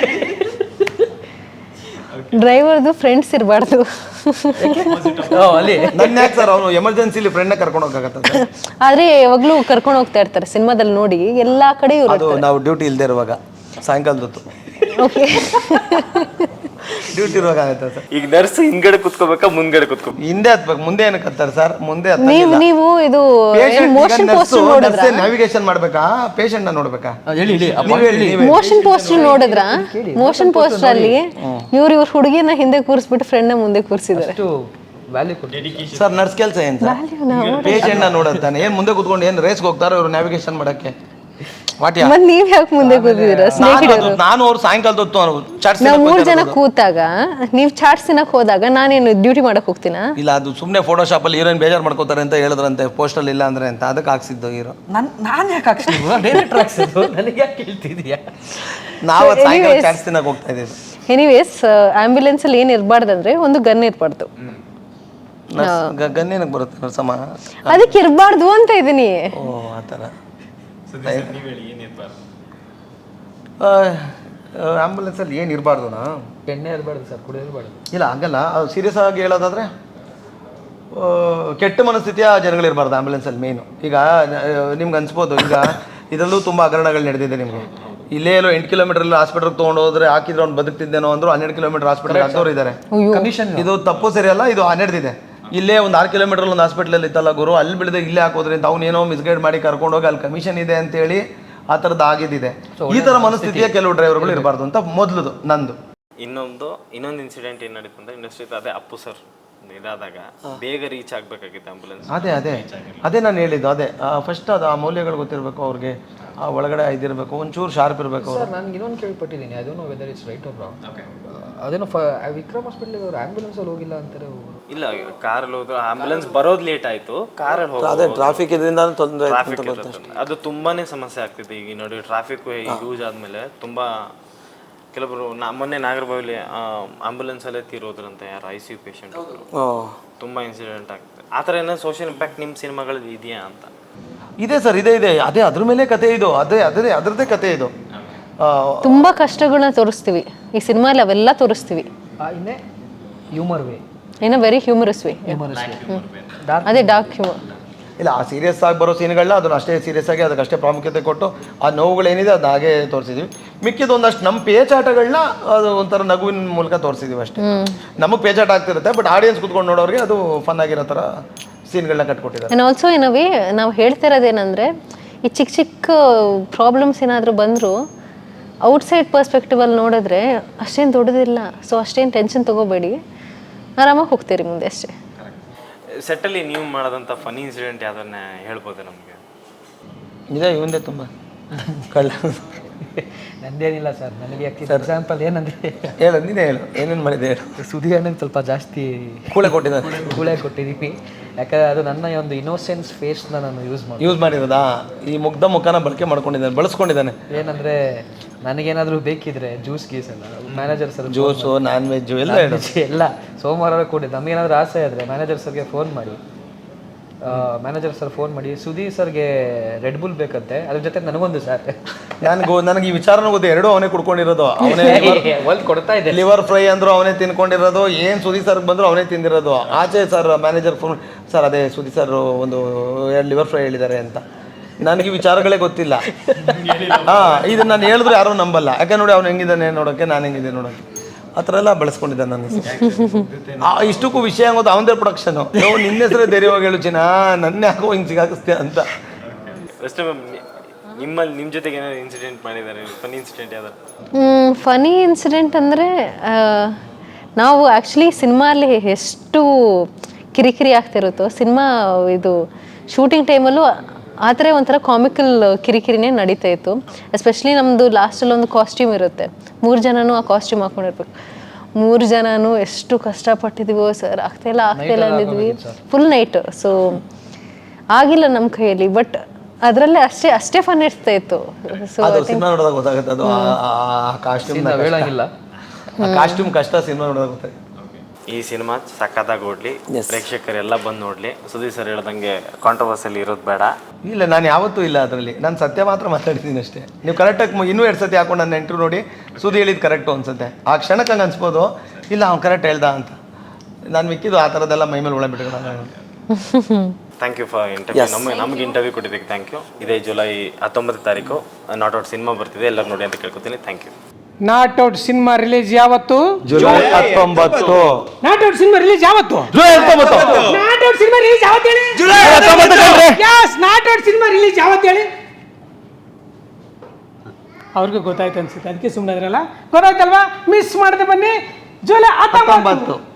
Speaker 2: ಡ್ರೈವರ್ದು ಫ್ರೆಂಡ್ಸ್ ಇರಬಾರ್ದು.
Speaker 3: ಅಲ್ಲಿ
Speaker 4: ನನ್ನ ಯಾಕೆ ಸರ್ ಅವನು ಎಮರ್ಜೆನ್ಸಿಲಿ ಫ್ರೆಂಡ್ನ ಕರ್ಕೊಂಡು ಹೋಗಕ್ಕಾಗತ್ತೆ?
Speaker 2: ಆದ್ರೆ ಯಾವಾಗ್ಲೂ ಕರ್ಕೊಂಡು ಹೋಗ್ತಾ ಇರ್ತಾರೆ ಸಿನಿಮಾದಲ್ಲಿ ನೋಡಿ, ಎಲ್ಲಾ ಕಡೆ ಇವರು.
Speaker 4: ಅದು ನಾವು ಡ್ಯೂಟಿ ಇಲ್ಲದೆ ಇರುವಾಗ ಸಾಯಂಕಾಲದೊತ್ತು
Speaker 2: ಓಕೆ
Speaker 4: ಡ್ಯೂಟಿ ಇರುವಾಗ ಆಗುತ್ತೆ ಸರ್.
Speaker 1: ಈಗ ನರ್ಸ್ ಹಿಂದ್ಗಡೆ ಕುತ್ಕೋಬೇಕಾ ಮುಂದ್ಗಡೆ ಕುತ್ಕೋಬೇಕು?
Speaker 4: ಹಿಂದೆ ಹತ್ಬೇಕು, ಮುಂದೆ ಏನಕ್ಕೆ ಹತ್ತಾರೆ ಸರ್? ಮುಂದೆ
Speaker 2: ನೀವು ಇದು ಮೋಷನ್ ಪೋಸ್ಟರ್ ನೋಡಿದ್ರ?
Speaker 4: ನ್ಯಾವಿಗೇಷನ್ ಮಾಡ್ಬೇಕಾ, ಪೇಷಂಟ್ ನ ನೋಡ್ಬೇಕಾ?
Speaker 2: ಮೋಷನ್ ಪೋಸ್ಟರ್ ನೋಡಿದ್ರ? ಮೋಷನ್ ಪೋಸ್ಟರ್ ಅಲ್ಲಿ ಇವ್ರ ಹುಡುಗಿನ ಹಿಂದೆ ಕೂರಿಸ್ಬಿಟ್ಟು ಫ್ರೆಂಡ್ ನ ಮುಂದೆ ಕೂರಿಸಿದ್ದಾರೆ.
Speaker 4: ಸರ್ ನರ್ಸ್ ಕೆಲಸ ಏನ್ ಸರ್? ಪೇಷಂಟ್ ನ ನೋಡತ್ತಾನೆ. ಏನ್ ಮುಂದೆ ಕುತ್ಕೊಂಡು ಏನ್ ರೇಸ್ಗೆ ಹೋಗ್ತಾರೋ ಇವ್ರು ನ್ಯಾವಿಗೇಷನ್ ಮಾಡಕ್ಕೆ?
Speaker 2: ಮತ್ ನೀವ್ ಯಾಕೆ ಮುಂದೆ ಕೂತಿದ್ದೀರಾ?
Speaker 4: ನಾನು ಅವ್ರು ಸಾಯಂಕಾಲದ ಹೊತ್ತು
Speaker 2: ನಾವು 3 ಜನ ಕೂತಾಗ ನೀವ್ ಚಾಟ್ಸ್ ತಿನ್ನಕ್ ಹೋದಾಗ ನಾನೇನು ಡ್ಯೂಟಿ ಮಾಡಕ್ ಹೋಗ್ತೀನಾ?
Speaker 4: ಇಲ್ಲ, ಅದು ಸುಮ್ಮನೆ ಫೋಟೋಶಾಪ್ ಅಲ್ಲಿ ಹೀರೋಯಿನ್ ಬೇಜಾರು ಮಾಡ್ಕೋತಾರೆ ಅಂತ ಹೇಳಿದ್ರಂತೆ, ಪೋಸ್ಟಲ್ ಇಲ್ಲ ಅಂದ್ರೆ ಅಂತ, ಅದಕ್ಕೆ ಹಾಕ್ಸಿದ್ದು ಹೀರೋ.
Speaker 3: ನಾನು ಯಾಕೆ ಹಾಕ್ಸಿದ್ರು? ಡೈರೆಕ್ಟರ್ ಹಾಕ್ಸಿದ್ದು, ನನಗೆ ಯಾಕೆ ಹೇಳ್ತಿದ್ಯಾ?
Speaker 4: ನಾವು ಸಾಯಂಕಾಲ ಚಾಟ್ಸ್ ತಿನ್ನಕ್ ಹೋಗ್ತಾ ಇದ್ದೀವಿ.
Speaker 2: ಎನಿವೇಸ್, ಆಂಬ್ಯುಲೆನ್ಸ್ ಅಲ್ಲಿ ಏನ್ ಇರಬಾರ್ದಂದ್ರೆ ಒಂದು ಗನ್ ಇರ್ಬಾರ್ದು.
Speaker 4: ಗನ್ ಏನಕ್ಕೆ ಬರುತ್ತೆ ನರ್ಸಮ್ಮ?
Speaker 2: ಅದಕ್ಕೆ ಇರಬಾರ್ದು ಅಂತ ಇದೀನಿ.
Speaker 4: ಓ ಆತರ. ಆಂಬುಲೆನ್ಸ್ ಅಲ್ಲಿ ಏನು ಇರಬಾರ್ದು?
Speaker 3: ಎಣ್ಣೆ ಇರಬಾರ್ದು ಸರ್, ಕುಡಿದಿರಬಾರ್ದು.
Speaker 4: ಇಲ್ಲ ಹಂಗಲ್ಲ, ಅದು ಸೀರಿಯಸ್ ಆಗಿ ಹೇಳೋದಾದ್ರೆ ಕೆಟ್ಟ ಮನಸ್ಥಿತಿಯ ಜನಗಳಿರಬಾರ್ದು ಆಂಬುಲೆನ್ಸಲ್ಲಿ ಮೇಯ್ನು. ಈಗ ನಿಮ್ಗೆ ಅನ್ಸ್ಬೋದು, ಈಗ ಇದರಲ್ಲೂ ತುಂಬ ಹಗರಣಗಳು ನಡೆದಿದೆ ನಿಮಗೆ. ಇಲ್ಲೇ ಎಲ್ಲೋ 8 ಕಿಲೋಮೀಟರ್ ಹಾಸ್ಪಿಟಲ್ಗೆ ತೊಗೊಂಡು ಹೋದ್ರೆ ಹಾಕಿದ್ರೆ ಅವ್ನು ಬದುಕ್ತಿದ್ದೇನೋ ಅಂದ್ರು 12 ಕಿಲೋಮೀಟರ್ ಹಾಸ್ಪಿಟಲ್ ಹಾಕ್ದವ್ರು ಇದ್ದಾರೆ.
Speaker 3: ಕಮಿಷನ್
Speaker 4: ಇದು ತಪ್ಪು ಸರಿಯಲ್ಲ, ಇದು 12 ಇದೆ. ಇಲ್ಲೇ ಒಂದು 6 ಕಿಲೋಮೀಟರ್ ಒಂದು ಹಾಸ್ಪಿಟ್ಲಲ್ಲಿ ಇತ್ತಲ್ಲ ಗುರು, ಅಲ್ಲಿ ಬಿಡದೆ ಇಲ್ಲೇ ಹಾಕೋದ್ರಿಂದ ಅವ್ನೇನೋ ಮಿಸ್ಗೈಡ್ ಮಾಡಿ ಕರ್ಕೊಂಡೋಗಿ ಅಲ್ಲಿ ಕಮಿಷನ್ ಇದೆ ಅಂತೇಳಿ ಆ ಥರದ್ದು ಆಗಿದ್ದಿದೆ. ಈ ಥರ ಮನಸ್ಥಿತಿಯ ಕೆಲವು ಡ್ರೈವರ್ಗಳು ಇರಬಾರ್ದು ಅಂತ ಮೊದಲು ನಂದು.
Speaker 1: ಇನ್ನೊಂದು ಇನ್ಸಿಡೆಂಟ್ ಏನು ನಡೀತು ಅಂದರೆ ಇಂಡಸ್ಟ್ರಿ ಅದೇ ಅಪ್ಪು ಸರ್ ಇದಾದಾಗ ಬೇಗ ರೀಚ್ ಆಗಬೇಕಾಗಿತ್ತು ಆಂಬುಲೆನ್ಸ್.
Speaker 4: ಅದೇ ನಾನು ಹೇಳಿದ್ದು. ಅದೇ ಫಸ್ಟ್ ಅದು ಆ ಮೌಲ್ಯಗಳು ಗೊತ್ತಿರಬೇಕು ಅವ್ರಿಗೆ, ಆ ಒಳಗಡೆ ಇದಿರಬೇಕು, ಒಂಚೂರು ಶಾರ್ಪ್ ಇರಬೇಕು.
Speaker 3: ಸರ್ ನಾನು ಇನ್ನೊಂದು ಕೇಳ್ಪಟ್ಟಿದ್ದೀನಿ, I don't know whether it's right or wrong. ಅದೇನೋ ವಿಕ್ರಮ್ ಹಾಸ್ಪಿಟಲ್ಗೆ ಅವರು ಆಂಬ್ಯುಲೆನ್ಸಲ್ಲಿ ಹೋಗಿಲ್ಲ ಅಂತಾರೆ.
Speaker 1: ಇಲ್ಲ, ಕಾರಲ್ಲಿ ಹೋದ್ರು, ಆಂಬ್ಯುಲೆನ್ಸ್ ಬರೋದು ಲೇಟ್ ಆಯಿತು, ಕಾರಲ್ಲಿ ಹೋಗಿ
Speaker 4: ಅದೇ ಟ್ರಾಫಿಕ್ ಇದರಿಂದ ತೊಂದರೆ,
Speaker 1: ಅದು ತುಂಬಾನೇ ಸಮಸ್ಯೆ ಆಗ್ತಿದೆ. ಈಗ ನೋಡಿ ಟ್ರಾಫಿಕ್ ಯೂಸ್ ಆದಮೇಲೆ ತುಂಬ ಕೆಲವರು ಮೊನ್ನೆ ನಾಗರಬಾವಿಲಿ ಆಂಬುಲೆನ್ಸಲ್ಲೇ ತೀರೋದ್ರಂತೆ, ಯಾರು ICU ಪೇಷಂಟ್, ತುಂಬ ಇನ್ಸಿಡೆಂಟ್ ಆಗ್ತದೆ. ಆ ಥರ ಏನೋ ಸೋಷಿಯಲ್ ಇಂಪ್ಯಾಕ್ಟ್ ನಿಮ್ಮ ಸಿನಿಮಾಗಳಲ್ಲಿ ಇದೆಯಾ ಅಂತ?
Speaker 4: ಇದೆ ಸರ್, ಇದೆ. ಅದೇ ಅದ್ರ ಮೇಲೆ ಕತೆ ಇದು, ಅದರದ್ದೇ ಕತೆ ಇದು.
Speaker 2: ತುಂಬಾ ಕಷ್ಟಗಳನ್ನ ತೋರಿಸ್ತೀವಿ ಈ ಸಿನಿಮಾಲಿ, ಅವೆಲ್ಲ ತೋರಿಸ್ತೀವಿ.
Speaker 3: ಇನ್ನೇ ಹ್ಯೂಮರ್ ವೇ,
Speaker 2: ಏನೋ ವೆರಿ ಹ್ಯೂಮರಸ್ ವೇ. ಅದೇ ಡಾರ್ಕ್ ಹ್ಯೂಮರ್.
Speaker 4: ಇಲ್ಲ, ಆ ಸೀರಿಯಸ್ ಆಗಿ ಬರೋ ಸೀನ್ಗಳನ್ನ ಅದನ್ನ ಅಷ್ಟೇ ಸೀರಿಯಸ್ ಆಗಿ ಅದಕ್ಕಷ್ಟೇ ಪ್ರಾಮುಖ್ಯತೆ ಕೊಟ್ಟು ಆ ನೋವುಗಳೇನಿದೆ ಅದು ಹಾಗೆ ತೋರಿಸಿದ್ವಿ. ಮಿಕ್ಕಿದ ಒಂದಷ್ಟು ನಮ್ಮ ಪೇಚಾಟಗಳನ್ನ ಅದು ಒಂಥರ ನಗುವಿನ ಮೂಲಕ ತೋರಿಸಿದ್ವಿ ಅಷ್ಟೇ. ನಮಗೆ ಪೇಚಾಟ ಆಗ್ತಿರುತ್ತೆ, ಬಟ್ ಆಡಿಯನ್ಸ್ ಕುತ್ಕೊಂಡು ನೋಡೋರಿಗೆ ಅದು ಫನ್ ಆಗಿರೋ ಥರ ಸೀನ್ಗಳನ್ನ ಕಟ್ಕೊಟ್ಟಿದ್ದಾರೆ.
Speaker 2: And also in a way ನಾವು ಹೇಳ್ತಿರೋದೇನೆಂದರೆ, ಈ ಚಿಕ್ಕ ಚಿಕ್ಕ ಪ್ರಾಬ್ಲಮ್ಸ್ ಏನಾದರೂ ಬಂದರೂ ಔಟ್ಸೈಡ್ ಪರ್ಸ್ಪೆಕ್ಟಿವಲ್ಲಿ ನೋಡಿದ್ರೆ ಅಷ್ಟೇನು ದೊಡ್ಡದಿಲ್ಲ. ಸೊ ಅಷ್ಟೇನು ಟೆನ್ಷನ್ ತೊಗೋಬೇಡಿ, ಆರಾಮಾಗಿ ಹೋಗ್ತೀರಿ ಮುಂದೆ ಅಷ್ಟೇ.
Speaker 1: ಸೆಟ್ಟಲ್ಲಿ ನೀವು ಮಾಡೋದಂಥ ಫನಿ ಇನ್ಸಿಡೆಂಟ್ ಯಾವ್ದನ್ನ ಹೇಳ್ಬೋದು ನಮಗೆ?
Speaker 4: ಇದೆ, ಇವಂದೇ ತುಂಬ ಕಳ್ಳ.
Speaker 3: ನಂದೇನಿಲ್ಲ ಸರ್, ನನಗೆ ಎಕ್ಸಾಂಪಲ್ ಏನಂದರೆ,
Speaker 4: ನೀನೇ ಹೇಳು, ಏನೇನು ಮಾಡಿದೆ ಹೇಳು.
Speaker 3: ಸುದಿ ಅಣ್ಣನ ಸ್ವಲ್ಪ ಜಾಸ್ತಿ
Speaker 4: ಕೂಳೆ ಕೊಟ್ಟಿದ್ದೀನಿ.
Speaker 3: ಕೊಟ್ಟಿದ್ದೀವಿ. ಯಾಕಂದರೆ ಅದು ನನ್ನ ಒಂದು ಇನ್ನೋಸೆನ್ಸ್ ಫೇಸ್ನ ನಾನು
Speaker 4: ಯೂಸ್ ಮಾಡಿರೋದಾ? ಈ ಮುಗ್ಧ ಮುಖನ ಬಳಕೆ ಮಾಡ್ಕೊಂಡಿದ್ದಾನೆ, ಬಳಸ್ಕೊಂಡಿದ್ದಾನೆ.
Speaker 3: ಏನಂದರೆ ನನಗೇನಾದರೂ ಬೇಕಿದ್ರೆ ಜ್ಯೂಸ್ ಗೀಸ್ ಎಲ್ಲ manager sir,
Speaker 4: juice, non veg ಎಲ್ಲ
Speaker 3: ಎಲ್ಲ ಸೋಮವಾರ ಕೂಡಿ ನಮಗೇನಾದರೂ ಆಸೆ ಆದರೆ ಮ್ಯಾನೇಜರ್ ಸರ್ಗೆ ಫೋನ್ ಮಾಡಿ ಸುದೀರ್ ಸರ್ಗೆ ರೆಡ್ ಬುಲ್ ಬೇಕಂತೆ, ಅದ್ರ ಜೊತೆ ನನಗೊಂದು ಸರ್.
Speaker 4: ನನಗೆ ಈ ವಿಚಾರನೂ ಗೊತ್ತು, ಎರಡೂ ಅವನೇ ಕುಡ್ಕೊಂಡಿರೋದು. ಅವನೇ
Speaker 3: ಒಲ್ ಕೊಡ್ತಾ ಇದೆ.
Speaker 4: ಲಿವರ್ ಫ್ರೈ ಅಂದ್ರು ಅವನೇ ತಿನ್ಕೊಂಡಿರೋದು, ಏನು ಸುದೀರ್ ಸರ್ಗೆ ಬಂದ್ರು ಅವನೇ ತಿಂದಿರೋದು. ಆಚೆ ಸರ್ ಮ್ಯಾನೇಜರ್ ಫೋನ್, ಸರ್ ಅದೇ ಸುದೀರ್ ಸರ್ ಒಂದು 2 ಲಿವರ್ ಫ್ರೈ ಹೇಳಿದ್ದಾರೆ ಅಂತ. ನನಗೆ ವಿಚಾರಗಳೇ ಗೊತ್ತಿಲ್ಲ. ಇದು ನಾನು ಹೇಳಿದ್ರು ಯಾರೂ ನಂಬಲ್ಲ. ಯಾಕೆ ನೋಡಿ ಅವ್ನು ಹೆಂಗಿದ್ದಾನೆ ನೋಡೋಕ್ಕೆ, ನಾನು ಹೆಂಗಿದ್ದೀನಿ ನೋಡೋಕ್ಕೆ, ಆ ಥರ ಎಲ್ಲ ಬಳಸ್ಕೊಂಡಿದ್ದಾನೆ ನನ್ನ. ಇಷ್ಟಕ್ಕೂ ವಿಷಯ ಆಗೋದು ಅವನದೇ ಪ್ರೊಡಕ್ಷನು. ನಿನ್ನ ಹೆಸರೇ ಧೈರ್ಯವಾಗಿ ಹೇಳು ಚಿನ್ನ, ನನ್ನ ಯಾಕೋ ಹಿಂಗೆ ಸಿಗಾಕಿಸ್ತೀಯ ಅಂತ.
Speaker 1: ಫಸ್ಟ್ ನಿಮ್ಮ ಜೊತೆಗೆ ಏನಾದ್ರು ಇನ್ಸಿಡೆಂಟ್ ಮಾಡಿದ್ದಾರೆ? ಫನಿ ಇನ್ಸಿಡೆಂಟ್ ಯಾವ್ದಾರು?
Speaker 2: ಫನಿ ಇನ್ಸಿಡೆಂಟ್ ಅಂದರೆ ನಾವು ಆ್ಯಕ್ಚುಲಿ ಸಿನಿಮಾಲ್ಲಿ ಎಷ್ಟು ಕಿರಿಕಿರಿ ಆಗ್ತಿರುತ್ತೋ, ಸಿನಿಮಾ ಇದು ಶೂಟಿಂಗ್ ಟೈಮಲ್ಲೂ ಆ ಥರ ಒಂಥರ ಕಾಮಿಕಲ್ ಕಿರಿಕಿರಿನೇ ನಡೀತಾ ಇತ್ತು. ಎಸ್ಪೆಷಲಿ ನಮ್ಮದು ಲಾಸ್ಟಲ್ಲಿ ಒಂದು ಕಾಸ್ಟ್ಯೂಮ್ ಇರುತ್ತೆ, 3 ಜನನೂ ಆ ಕಾಸ್ಟ್ಯೂಮ್ ಹಾಕೊಂಡಿರ್ಬೇಕು. 3 ಜನನೂ ಎಷ್ಟು ಕಷ್ಟಪಟ್ಟಿದ್ದೀವೋ ಸರ್, ಆಗ್ತಾಯಿಲ್ಲ ಅಂದಿದ್ವಿ, ಫುಲ್ ನೈಟ್. ಸೊ ಆಗಿಲ್ಲ ನಮ್ಮ ಕೈಯಲ್ಲಿ, ಬಟ್ ಅದರಲ್ಲೇ ಅಷ್ಟೇ ಫನ್ ಇರ್ತಾ ಇತ್ತು. ಸೊ
Speaker 4: ಸಿನಿಮಾ ನೋಡಿದಾಗ ಗೊತ್ತಾಗುತ್ತೆ ಅದು. ಕಾಸ್ಟ್ಯೂಮ್ ಕಷ್ಟ ಸಿನಿಮಾ ನೋಡಿದಾಗ ಗೊತ್ತಾಗುತ್ತೆ.
Speaker 1: ಈ ಸಿನಿಮಾ ಸಖತ್ತಾಗಿ ಓಡ್ಲಿ, ಪ್ರೇಕ್ಷಕರೆಲ್ಲ ಬಂದು ನೋಡ್ಲಿ. ಸುದೀರ್ ಸರ್ ಹೇಳ್ದಂಗೆ ಕಾಂಟ್ರವರ್ಸಲ್ಲಿ ಇರೋದು ಬೇಡ.
Speaker 4: ಇಲ್ಲ, ನಾನು ಯಾವತ್ತೂ ಇಲ್ಲ ಅದರಲ್ಲಿ. ನಾನು ಸತ್ಯ ಮಾತ್ರ ಮಾತಾಡ್ತೀನಿ ಅಷ್ಟೇ. ನೀವು ಕರೆಕ್ಟಾಗಿ ಇನ್ನೂ 2 ಸತಿ ಹಾಕೊಂಡು ನನ್ನ ಇಂಟರ್ವ್ಯೂ ನೋಡಿ ಸುದ್ದಿ ಹೇಳಿದ್ದು ಕರೆಕ್ಟು ಅನ್ಸುತ್ತೆ. ಆ ಕ್ಷಣಕ್ಕೆ ಹಂಗೆ ಅನ್ಸ್ಬೋದು, ಇಲ್ಲ ಅವ್ನು ಕರೆಕ್ಟ್ ಹೇಳ್ದ ಅಂತ. ನಾನು ಮಿಕ್ಕಿದ್ದು ಆ ಥರದ್ದೆಲ್ಲ ಮೈಮೇಲೆ ಒಳ ಬಿಟ್ಕೊಳ್ಳೋಣ.
Speaker 1: Thank you for interview. ನಮಗೆ ಇಂಟರ್ವ್ಯೂ ಕೊಟ್ಟಿದ್ದಕ್ಕೆ ಥ್ಯಾಂಕ್ ಯು. ಇದೇ ಜುಲೈ 19 ತಾರೀಕು ನಾಟ್ ಔಟ್ ಸಿನಿಮಾ ಬರ್ತಿದೆ, ಎಲ್ಲರೂ ನೋಡಿ ಅಂತ ಕೇಳ್ಕೊತೀನಿ. Thank you.
Speaker 5: Not out cinema release ಯಾವತ್ತು?
Speaker 4: July 19.
Speaker 5: Not out cinema release ಯಾವತ್ತು?
Speaker 4: July 19.
Speaker 5: Not out cinema release ಯಾವತ್ತು ಹೇಳಿ?
Speaker 4: July 19.
Speaker 5: Yes, not out cinema release ಯಾವತ್ತು ಹೇಳಿ? ಅವ್ರಿಗೂ ಗೊತ್ತಾಯ್ತು ಅನ್ಸುತ್ತೆ, ಅದಕ್ಕೆ ಸುಮ್ಮನೆ ಅದ್ರಲ್ಲ. ಗೊತ್ತಾಯ್ತಲ್ವಾ? ಮಿಸ್ ಮಾಡದೆ ಬನ್ನಿ. ಜುಲೈ 19.